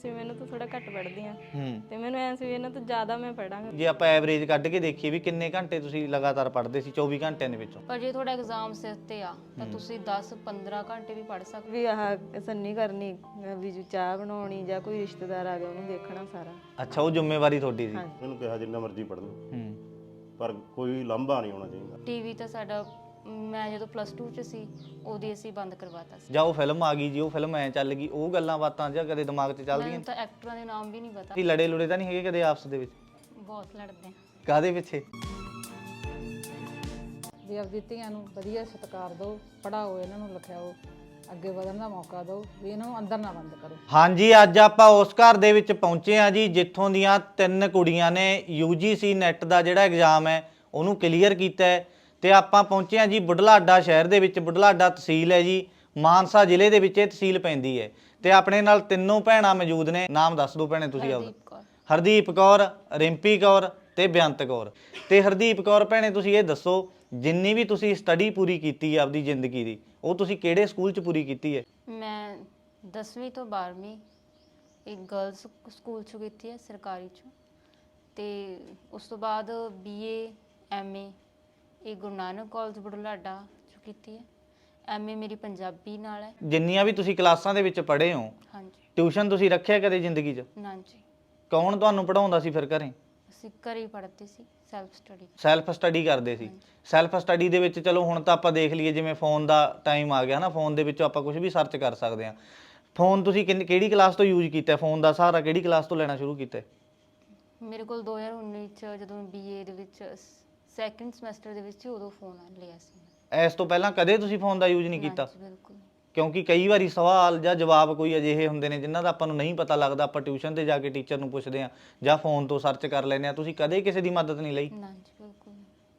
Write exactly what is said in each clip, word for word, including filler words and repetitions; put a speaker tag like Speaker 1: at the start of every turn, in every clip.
Speaker 1: ਸੀ ਮੈਨੂੰ ਤਾਂ ਥੋੜਾ ਘੱਟ ਪੜ੍ਹਦੀ ਆ
Speaker 2: ਹੂੰ
Speaker 1: ਤੇ ਮੈਨੂੰ ਐਂ ਸੀ ਵੀ ਇਹਨਾਂ ਤੋਂ ਜ਼ਿਆਦਾ ਮੈਂ ਪੜਾਂਗਾ।
Speaker 2: ਜੇ ਆਪਾਂ ਐਵਰੇਜ ਕੱਢ ਕੇ ਦੇਖੀਏ ਵੀ ਕਿੰਨੇ ਘੰਟੇ ਤੁਸੀਂ ਲਗਾਤਾਰ ਪੜ੍ਹਦੇ ਸੀ ਚੌਵੀ ਘੰਟਿਆਂ ਦੇ ਵਿੱਚੋਂ?
Speaker 3: ਪਰ ਜੇ ਤੁਹਾਡਾ ਐਗਜ਼ਾਮ ਸਿਰ ਤੇ ਆ ਤਾਂ ਤੁਸੀਂ ਦਸ ਪੰਦਰਾਂ ਘੰਟੇ ਵੀ ਪੜ੍ਹ ਸਕਦੇ
Speaker 1: ਵੀ ਆਹ ਸੰਨੀ ਕਰਨੀ ਵੀ ਜੋ ਚਾਹ ਬਣਾਉਣੀ ਜਾਂ ਕੋਈ ਰਿਸ਼ਤੇਦਾਰ ਆ ਗਿਆ ਉਹਨੂੰ ਦੇਖਣਾ ਸਾਰਾ।
Speaker 2: ਅੱਛਾ, ਉਹ ਜ਼ਿੰਮੇਵਾਰੀ ਤੁਹਾਡੀ ਸੀ।
Speaker 4: ਇਹਨੂੰ ਕਿਹਾ ਜਿੰਨਾ ਮਰਜ਼ੀ ਪੜ੍ਹ ਲਓ
Speaker 2: ਹੂੰ
Speaker 4: ਪਰ ਕੋਈ ਲਾਂਭਾ ਨਹੀਂ ਹੋਣਾ ਚਾਹੀਦਾ।
Speaker 3: ਟੀਵੀ ਤਾਂ ਸਾਡਾ ਮੈਂ ਜਦੋਂ ਪਲੱਸ ਟੂ ਚ ਸੀ ਉਹਦੀ ਅਸੀਂ ਬੰਦ ਕਰਵਾਤਾ ਸੀ।
Speaker 2: ਜਾਂ ਉਹ ਫਿਲਮ ਆ ਗਈ ਜੀ, ਉਹ ਫਿਲਮ ਐ ਚੱਲ ਗਈ, ਉਹ ਗੱਲਾਂ ਬਾਤਾਂ ਜਾਂ ਕਦੇ ਦਿਮਾਗ 'ਚ ਚੱਲਦੀਆਂ?
Speaker 3: ਮੈਨੂੰ ਤਾਂ ਐਕਟਰਾਂ ਦੇ ਨਾਮ ਵੀ ਨਹੀਂ ਪਤਾ।
Speaker 2: ਕੀ ਲੜੇ ਲੁੜੇ ਤਾਂ ਨਹੀਂ ਹੈਗੇ ਕਦੇ ਆਪਸ ਦੇ ਵਿੱਚ?
Speaker 3: ਬਹੁਤ ਲੜਦੇ ਆ।
Speaker 2: ਕਾਹਦੇ ਪਿੱਛੇ?
Speaker 5: ਵੀ ਆਪਦੀ ਧੀਆਂ ਨੂੰ ਵਧੀਆ ਸਤਿਕਾਰ ਦਿਓ, ਪੜ੍ਹਾਓ, ਇਹਨਾਂ ਨੂੰ ਲਿਖਾਓ, ਅੱਗੇ ਵਧਣ ਦਾ ਮੌਕਾ ਦਿਓ, ਵੀ ਇਹਨਾਂ ਨੂੰ ਅੰਦਰ ਨਾ ਬੰਦ ਕਰੋ।
Speaker 2: ਹਾਂਜੀ, ਅੱਜ ਆਪਾਂ ਉਸ ਘਰ ਦੇ ਵਿੱਚ ਪਹੁੰਚੇ ਆ ਜੀ ਜਿੱਥੋਂ ਦੀਆਂ ਤਿੰਨ ਕੁੜੀਆਂ ਨੇ ਯੂ ਜੀ ਸੀ ਨੈਟ ਦਾ ਜਿਹੜਾ ਐਗਜ਼ਾਮ ਹੈ ਉਹਨੂੰ ਕਲੀਅਰ ਕੀਤਾ ਹੈ। ਤੇ ਆਪਾਂ ਪਹੁੰਚੇ ਆ ਜੀ ਬੁਢਲਾਡਾ ਸ਼ਹਿਰ ਦੇ ਵਿੱਚ। ਬੁਢਲਾਡਾ ਤਹਿਸੀਲ ਹੈ ਜੀ, ਮਾਨਸਾ ਜ਼ਿਲ੍ਹੇ ਦੇ ਵਿੱਚ ਇਹ ਤਹਿਸੀਲ ਪੈਂਦੀ ਹੈ। ਤੇ ਆਪਣੇ ਨਾਲ ਤਿੰਨੋਂ ਭੈਣਾਂ ਮੌਜੂਦ ਨੇ। ਨਾਮ ਦੱਸ ਦਿਓ ਭੈਣੇ ਤੁਸੀਂ ਆਪਦਾ।
Speaker 3: ਹਰਦੀਪ ਕੌਰ।
Speaker 2: ਹਰਦੀਪ ਕੌਰ, ਰਿੰਪੀ ਕੌਰ ਤੇ ਬੇਅੰਤ ਕੌਰ। ਤੇ ਹਰਦੀਪ ਕੌਰ ਭੈਣੇ, ਤੁਸੀਂ ਇਹ ਦੱਸੋ ਜਿੰਨੀ ਵੀ ਤੁਸੀਂ ਸਟੱਡੀ ਪੂਰੀ ਕੀਤੀ ਹੈ ਆਪਦੀ ਜ਼ਿੰਦਗੀ ਦੀ, ਉਹ ਤੁਸੀਂ ਕਿਹੜੇ ਸਕੂਲ 'ਚ ਪੂਰੀ ਕੀਤੀ ਹੈ?
Speaker 3: ਮੈਂ ਦਸਵੀਂ ਤੋਂ ਬਾਰ੍ਹਵੀਂ ਇੱਕ ਗਰਲਸ ਸਕੂਲ 'ਚ ਕੀਤੀ ਹੈ, ਸਰਕਾਰੀ 'ਚ। ਤੇ ਉਸ ਤੋਂ ਬਾਅਦ ਬੀਏ ਐਮਏ ਇਹ ਗੁਰੂ ਨਾਨਕ ਕਾਲਜ ਬੁਢਲਾਡਾ 'ਚ ਕੀਤੀ ਹੈ। ਐਮਏ ਮੇਰੀ ਪੰਜਾਬੀ ਨਾਲ ਹੈ।
Speaker 2: ਜਿੰਨੀਆਂ ਵੀ ਤੁਸੀਂ ਕਲਾਸਾਂ ਦੇ ਵਿੱਚ ਪੜ੍ਹੇ ਹੋ,
Speaker 3: ਹਾਂਜੀ।
Speaker 2: ਟਿਊਸ਼ਨ ਤੁਸੀਂ ਰੱਖਿਆ ਕਦੇ ਜ਼ਿੰਦਗੀ 'ਚ?
Speaker 3: ਨਾ ਜੀ।
Speaker 2: ਕੌਣ ਤੁਹਾਨੂੰ ਪੜ੍ਹਾਉਂਦਾ ਸੀ ਫਿਰ ਘਰੇ?
Speaker 3: ਅਸੀਂ ਘਰੇ ਹੀ ਪੜ੍ਹਦੇ ਸੀ, ਸੈਲਫ ਸਟੱਡੀ।
Speaker 2: ਸੈਲਫ ਸਟੱਡੀ ਕਰਦੇ ਸੀ। ਸੈਲਫ ਸਟੱਡੀ ਦੇ ਵਿੱਚ ਚਲੋ ਹੁਣ ਤਾਂ ਆਪਾਂ ਦੇਖ ਲਈਏ ਜਿਵੇਂ ਫੋਨ ਦਾ ਟਾਈਮ ਆ ਗਿਆ ਨਾ, ਫੋਨ ਦੇ ਵਿੱਚੋਂ ਆਪਾਂ ਕੁਝ ਵੀ ਸਰਚ ਕਰ ਸਕਦੇ ਹਾਂ। ਫੋਨ ਤੁਸੀਂ ਕਿੰਨੀ ਕਿਹੜੀ ਕਲਾਸ ਤੋਂ ਯੂਜ਼ ਕੀਤਾ? ਫੋਨ ਦਾ ਸਹਾਰਾ ਕਿਹੜੀ ਕਲਾਸ ਤੋਂ ਲੈਣਾ ਸ਼ੁਰੂ ਕੀਤਾ?
Speaker 3: ਮੇਰੇ ਕੋਲ ਦੋ ਹਜ਼ਾਰ ਉੱਨੀ 'ਚ ਜਦੋਂ ਬੀਏ ਦੇ ਵਿੱਚ ਸੈਕੰਡ ਸਮੈਸਟਰ ਦੇ ਵਿੱਚ ਉਦੋਂ ਫੋਨ ਲਿਆ ਸੀ।
Speaker 2: ਇਸ ਤੋਂ ਪਹਿਲਾਂ ਕਦੇ ਤੁਸੀਂ ਫੋਨ ਦਾ ਯੂਜ਼ ਨਹੀਂ ਕੀਤਾ?
Speaker 3: ਹਾਂਜੀ, ਬਿਲਕੁਲ।
Speaker 2: ਕਿਉਂਕਿ ਕਈ ਵਾਰੀ ਸਵਾਲ ਜਾਂ ਜਵਾਬ ਕੋਈ ਅਜਿਹੇ ਹੁੰਦੇ ਨੇ ਜਿਨ੍ਹਾਂ ਦਾ ਆਪਾਂ ਨੂੰ ਨਹੀਂ ਪਤਾ ਲੱਗਦਾ, ਆਪਾਂ ਟਿਊਸ਼ਨ ਤੇ ਜਾ ਕੇ ਟੀਚਰ ਨੂੰ ਪੁੱਛਦੇ ਹਾਂ ਜਾਂ ਫੋਨ ਤੋਂ ਸਰਚ ਕਰ ਲੈਂਦੇ ਹਾਂ। ਤੁਸੀਂ ਕਦੇ ਕਿਸੇ ਦੀ ਮਦਦ ਨਹੀਂ ਲਈ?
Speaker 3: ਨਾ ਜੀ, ਬਿਲਕੁਲ।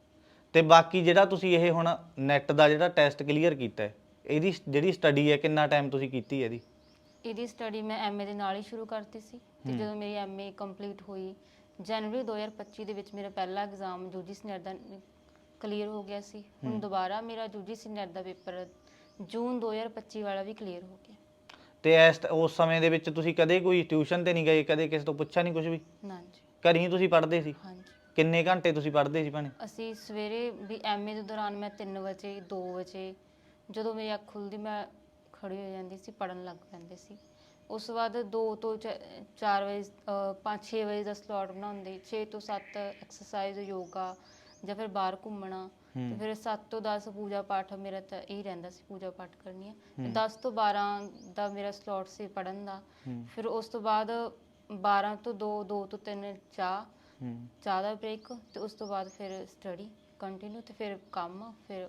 Speaker 2: ਤੇ ਬਾਕੀ ਜਿਹੜਾ ਤੁਸੀਂ ਇਹ ਹੁਣ ਨੈਟ ਦਾ ਜਿਹੜਾ ਟੈਸਟ ਕਲੀਅਰ ਕੀਤਾ ਹੈ, ਇਹਦੀ ਜਿਹੜੀ ਸਟੱਡੀ ਹੈ ਕਿੰਨਾ ਟਾਈਮ ਤੁਸੀਂ ਕੀਤੀ ਹੈ ਇਹਦੀ?
Speaker 3: ਇਹਦੀ ਸਟੱਡੀ ਮੈਂ ਐਮਏ ਦੇ ਨਾਲ ਹੀ ਸ਼ੁਰੂ ਕਰਤੀ ਸੀ। ਤੇ ਜਦੋਂ ਮੇਰੀ ਐਮਏ ਕੰਪਲੀਟ ਹੋਈ ਜਨਵਰੀ ਦੋ ਹਜ਼ਾਰ ਪੱਚੀ ਦੇ ਵਿੱਚ ਮੇਰਾ ਪਹਿਲਾ ਐਗਜ਼ਾਮ ਯੂਜੀਸੀ ਨੈਟ ਦਾ ਕਲੀਅਰ ਹੋ ਗਿਆ ਸੀ। ਹੁਣ ਦੁਬਾਰਾ ਮੇਰਾ ਯੂਜੀਸੀ ਨੈਟ ਦਾ ਪੇਪਰ ਜੂਨ ਦੋ ਹਜ਼ਾਰ ਪੱਚੀ ਵਾਲਾ ਵੀ ਕਲੀਅਰ ਹੋ ਗਿਆ।
Speaker 2: ਤੇ ਇਸ ਉਸ ਸਮੇਂ ਦੇ ਵਿੱਚ ਤੁਸੀਂ ਕਦੇ ਕੋਈ ਟਿਊਸ਼ਨ ਤੇ ਨਹੀਂ ਗਏ? ਕਦੇ ਕਿਸੇ ਤੋਂ ਪੁੱਛਿਆ ਨਹੀਂ ਕੁਝ ਵੀ?
Speaker 3: ਨਾ ਜੀ।
Speaker 2: ਘਰ ਹੀ ਤੁਸੀਂ ਪੜ੍ਹਦੇ ਸੀ?
Speaker 3: ਹਾਂਜੀ।
Speaker 2: ਕਿੰਨੇ ਘੰਟੇ ਤੁਸੀਂ ਪੜ੍ਹਦੇ ਸੀ ਭੈਣੇ?
Speaker 3: ਅਸੀਂ ਸਵੇਰੇ ਵੀ ਐਮਏ ਦੇ ਦੌਰਾਨ ਮੈਂ ਤਿੰਨ ਵਜੇ ਦੋ ਵਜੇ ਜਦੋਂ ਮੇਰੀ ਅੱਖ ਖੁੱਲ੍ਹਦੀ ਮੈਂ ਖੜੀ ਹੋ ਜਾਂਦੀ ਸੀ, ਪੜ੍ਹਨ ਲੱਗ ਪੈਂਦੇ ਸੀ। ਉਸ ਤੋਂ ਬਾਅਦ ਦੋ ਤੋਂ ਚਾਰ ਵਜੇ ਪੰਜ ਛੇ ਵਜੇ ਦਾ ਸਲੋਟ ਬਣਾਉਂਦੇ, ਛੇ ਤੋਂ ਸੱਤ ਐਕਸਰਸਾਈਜ਼ ਯੋਗਾ ਜਾਂ ਫਿਰ ਬਾਹਰ ਘੁੰਮਣਾ। ਤੇ ਫਿਰ ਸੱਤ ਤੋਂ ਦਸ ਪੂਜਾ ਪਾਠ ਮੇਰਾ ਤਾਂ ਇਹ ਰਹਿੰਦਾ ਸੀ, ਪੂਜਾ ਪਾਠ ਕਰਨੀ ਹੈ। ਦਸ ਤੋਂ ਬਾਰਾਂ ਦਾ ਮੇਰਾ ਸਲੋਟ ਸੀ ਪੜ੍ਹਨ ਦਾ। ਫਿਰ ਉਸ ਤੋਂ ਬਾਅਦ ਬਾਰਾਂ ਤੋਂ ਦੋ, ਦੋ ਤੋਂ ਤਿੰਨ ਚਾਹ ਚਾਹ ਦਾ ਬ੍ਰੇਕ, ਤੇ ਉਸ ਤੋਂ ਬਾਅਦ ਫਿਰ ਸਟੱਡੀ ਕੰਟੀਨਿਊ, ਤੇ ਫਿਰ ਕੰਮ, ਫਿਰ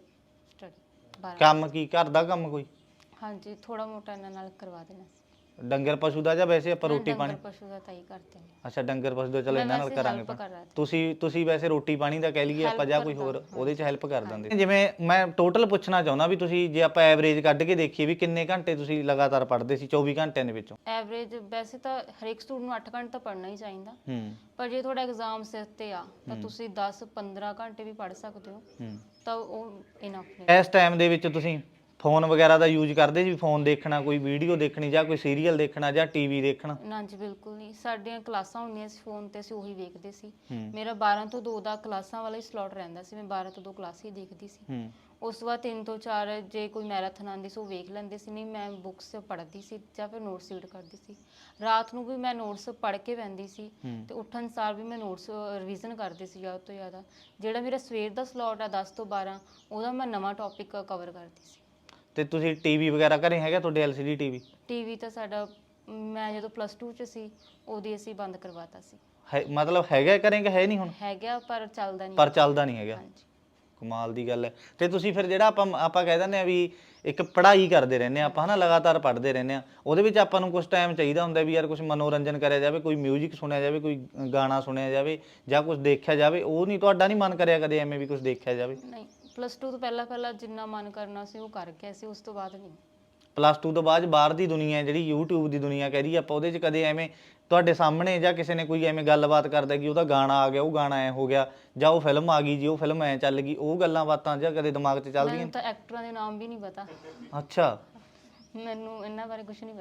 Speaker 3: ਸਟੱਡੀ।
Speaker 2: ਕੰਮ ਕੀ, ਘਰ ਦਾ ਕੰਮ ਕੋਈ?
Speaker 3: ਹਾਂਜੀ, ਥੋੜਾ ਮੋਟਾ ਇਹਨਾਂ ਨਾਲ ਕਰਵਾ ਦੇਣਾ ਸੀ।
Speaker 2: ਡੰਗਰ ਪਸ਼ੂ ਦਾ ਜਾਂ ਵੈਸੇ ਆਪਾਂ ਰੋਟੀ ਪਾਣੀ?
Speaker 3: ਡੰਗਰ ਪਸ਼ੂ ਦਾ ਤਾਂ ਹੀ ਕਰਦੇ ਨੇ।
Speaker 2: ਅੱਛਾ, ਡੰਗਰ ਪਸ਼ੂ ਦਾ ਚਲੋ ਇਹਨਾਂ ਨਾਲ ਕਰਾਂਗੇ।
Speaker 3: ਕਰ ਰਹਾ
Speaker 2: ਤੁਸੀਂ ਤੁਸੀਂ ਵੈਸੇ ਰੋਟੀ ਪਾਣੀ ਦਾ ਕਹਿ ਲਈਏ ਆਪਾਂ ਜਾਂ ਕੋਈ ਹੋਰ ਉਹਦੇ 'ਚ ਹੈਲਪ ਕਰ ਦਿੰਦੇ? ਜਿਵੇਂ ਮੈਂ ਟੋਟਲ ਪੁੱਛਣਾ ਚਾਹੁੰਦਾ ਵੀ ਤੁਸੀਂ ਜੇ ਆਪਾਂ ਐਵਰੇਜ ਕੱਢ ਕੇ ਦੇਖੀਏ ਵੀ ਕਿੰਨੇ ਘੰਟੇ ਤੁਸੀਂ ਲਗਾਤਾਰ ਪੜ੍ਹਦੇ ਸੀ ਚੌਵੀ ਘੰਟਿਆਂ ਦੇ ਵਿੱਚੋਂ?
Speaker 3: ਐਵਰੇਜ ਵੈਸੇ ਤਾਂ ਹਰੇਕ ਸਟੂਡੈਂਟ ਨੂੰ ਅੱਠ ਘੰਟੇ ਤਾਂ ਪੜ੍ਹਨਾ ਹੀ ਚਾਹੀਦਾ।
Speaker 2: ਹੂੰ
Speaker 3: ਪਰ ਜੇ ਤੁਹਾਡਾ ਐਗਜ਼ਾਮ ਸਿਰ ਤੇ ਆ ਤਾਂ ਤੁਸੀਂ ਦਸ ਪੰਦਰਾਂ ਘੰਟੇ ਵੀ ਪੜ੍ਹ ਸਕਦੇ ਹੋ,
Speaker 2: ਹੂੰ
Speaker 3: ਤਾਂ ਉਹ ਇਨਫ ਨੇ।
Speaker 2: ਇਸ ਟਾਈਮ ਦੇ ਵਿੱਚ ਤੁਸੀਂ ਫੋਨ ਵਗੈਰਾ ਦਾ ਯੂਜ਼ ਕਰਦੇ ਸੀ? ਫੋਨ ਦੇਖਣਾ, ਕੋਈ ਵੀਡੀਓ ਦੇਖਣੀ ਜਾਂ ਕੋਈ ਸੀਰੀਅਲ ਦੇਖਣਾ ਜਾਂ ਟੀਵੀ ਦੇਖਣਾ?
Speaker 3: ਨਾ ਜੀ, ਬਿਲਕੁਲ ਨਹੀਂ। ਸਾਡੀਆਂ ਕਲਾਸਾਂ ਹੁੰਦੀਆਂ ਸੀ ਫੋਨ ਤੇ, ਅਸੀਂ ਉਹੀ ਵੇਖਦੇ ਸੀ। ਮੇਰਾ ਬਾਰਾਂ ਤੋਂ ਦੋ ਦਾ ਕਲਾਸਾਂ ਵਾਲਾ ਹੀ ਸਲੋਟ ਰਹਿੰਦਾ ਸੀ, ਮੈਂ ਬਾਰਾਂ ਤੋਂ ਦੋ ਕਲਾਸ ਹੀ ਦੇਖਦੀ ਸੀ। ਉਸ ਤੋਂ ਬਾਅਦ ਤਿੰਨ ਤੋਂ ਚਾਰ ਜੇ ਕੋਈ ਮੈਰਾਥਨ ਆਉਂਦੀ ਸੀ ਉਹ ਵੇਖ ਲੈਂਦੇ ਸੀ, ਨਹੀਂ ਮੈਂ ਬੁੱਕਸ ਪੜ੍ਹਦੀ ਸੀ ਜਾਂ ਫਿਰ ਨੋਟਸ ਰੀਡ ਕਰਦੀ ਸੀ। ਰਾਤ ਨੂੰ ਵੀ ਮੈਂ ਨੋਟਸ ਪੜ੍ਹ ਕੇ ਬਹਿੰਦੀ ਸੀ ਤੇ ਉੱਠਣ ਸਾਰ ਵੀ ਮੈਂ ਨੋਟਸ ਰਿਵੀਜ਼ਨ ਕਰਦੀ ਸੀ ਜ਼ਿਆਦਾ ਤੋਂ ਜ਼ਿਆਦਾ। ਜਿਹੜਾ ਮੇਰਾ ਸਵੇਰ ਦਾ ਸਲੋਟ ਆ ਦਸ ਤੋਂ ਬਾਰਾਂ, ਉਹਦਾ ਮੈਂ ਨਵਾਂ ਟੌਪਿਕ ਕਵਰ ਕਰਦੀ ਸੀ।
Speaker 2: ਤੇ ਤੁਸੀਂ ਟੀਵੀ ਵਗੈਰਾ ਘਰੇ ਹੈਗਾ ਤੁਹਾਡੇ? L C D TV?
Speaker 3: TV ਤਾਂ ਸਾਡਾ ਮੈਂ ਜਦੋਂ ਪਲੱਸ ਟੂ 'ਚ ਸੀ ਉਹਦੀ ਅਸੀਂ ਬੰਦ ਕਰਵਾਤਾ ਸੀ।
Speaker 2: ਹੈ ਮਤਲਬ ਹੈਗਾ ਘਰੇ ਕਿ ਹੈ ਨਹੀਂ ਹੁਣ?
Speaker 3: ਹੈਗਾ ਪਰ ਚੱਲਦਾ ਨਹੀਂ।
Speaker 2: ਪਰ ਚੱਲਦਾ ਨਹੀਂ ਹੈਗਾ।
Speaker 3: ਹਾਂਜੀ।
Speaker 2: ਕਮਾਲ ਦੀ ਗੱਲ ਹੈ। ਤੇ ਤੁਸੀਂ ਫਿਰ ਜਿਹੜਾ ਆਪਾਂ ਆਪਾਂ ਕਹਿ ਦਿੰਦੇ ਆ ਵੀ ਇੱਕ ਪੜ੍ਹਾਈ ਕਰਦੇ ਰਹਿੰਦੇ ਆ ਆਪਾਂ, ਹਨਾ, ਲਗਾਤਾਰ ਪੜ੍ਹਦੇ ਰਹਿੰਦੇ ਆ, ਉਹਦੇ ਵਿੱਚ ਆਪਾਂ ਨੂੰ ਕੁਝ ਟਾਈਮ ਚਾਹੀਦਾ ਹੁੰਦਾ ਵੀ ਯਾਰ ਕੁਝ ਮਨੋਰੰਜਨ ਕਰਿਆ ਜਾਵੇ, ਕੋਈ ਮਿਊਜ਼ਿਕ ਸੁਣਿਆ ਜਾਵੇ, ਕੋਈ ਗਾਣਾ ਸੁਣਿਆ ਜਾਵੇ ਜਾਂ ਕੁਝ ਦੇਖਿਆ ਜਾਵੇ। ਉਹ ਨਹੀਂ ਤੁਹਾਡਾ ਨਹੀਂ ਮਨ ਕਰਿਆ ਕਦੇ ਐਵੇਂ ਵੀ ਕੁਝ ਦੇਖਿਆ ਜਾਵੇ?
Speaker 3: ਨਹੀਂ, ਪਲੱਸ ਟੂ ਤੋਂ ਪਹਿਲਾਂ ਪਹਿਲਾਂ ਜਿੰਨਾ ਮਨ ਕਰਨਾ ਸੀ ਉਹ ਕਰ ਗਿਆ ਸੀ, ਉਸ ਤੋਂ ਬਾਅਦ ਨਹੀਂ।
Speaker 2: ਪਲੱਸ ਟੂ ਤੋਂ ਬਾਅਦ ਬਾਹਰ ਦੀ ਦੁਨੀਆ ਜਿਹੜੀ ਯੂਟਿਊਬ ਦੀ ਦੁਨੀਆ ਕਹਿ ਰਹੀ ਆਪਾਂ, ਉਹਦੇ 'ਚ ਕਦੇ ਐਵੇਂ ਤੁਹਾਡੇ ਸਾਹਮਣੇ ਜਾਂ ਕਿਸੇ ਨੇ ਕੋਈ ਐਵੇਂ ਗੱਲਬਾਤ ਕਰਦਾ ਕਿ ਉਹਦਾ ਗਾਣਾ ਆ ਗਿਆ, ਉਹ ਗਾਣਾ ਐ ਹੋ ਗਿਆ, ਜਾਂ ਉਹ ਫਿਲਮ ਆ ਗਈ ਜੀ, ਉਹ ਫਿਲਮ ਐ ਚੱਲ ਗਈ, ਉਹ ਗੱਲਾਂ ਬਾਤਾਂ ਜਾਂ ਕਦੇ ਦਿਮਾਗ 'ਚ ਚੱਲਦੀਆਂ?
Speaker 3: ਮੈਨੂੰ ਤਾਂ ਐਕਟਰਾਂ ਦੇ ਨਾਮ ਵੀ ਨਹੀਂ ਪਤਾ।
Speaker 2: ਅੱਛਾ,
Speaker 3: ਮੈਨੂੰ ਇਹਨਾਂ ਬਾਰੇ ਕੁਝ ਨਹੀਂ ਪਤਾ।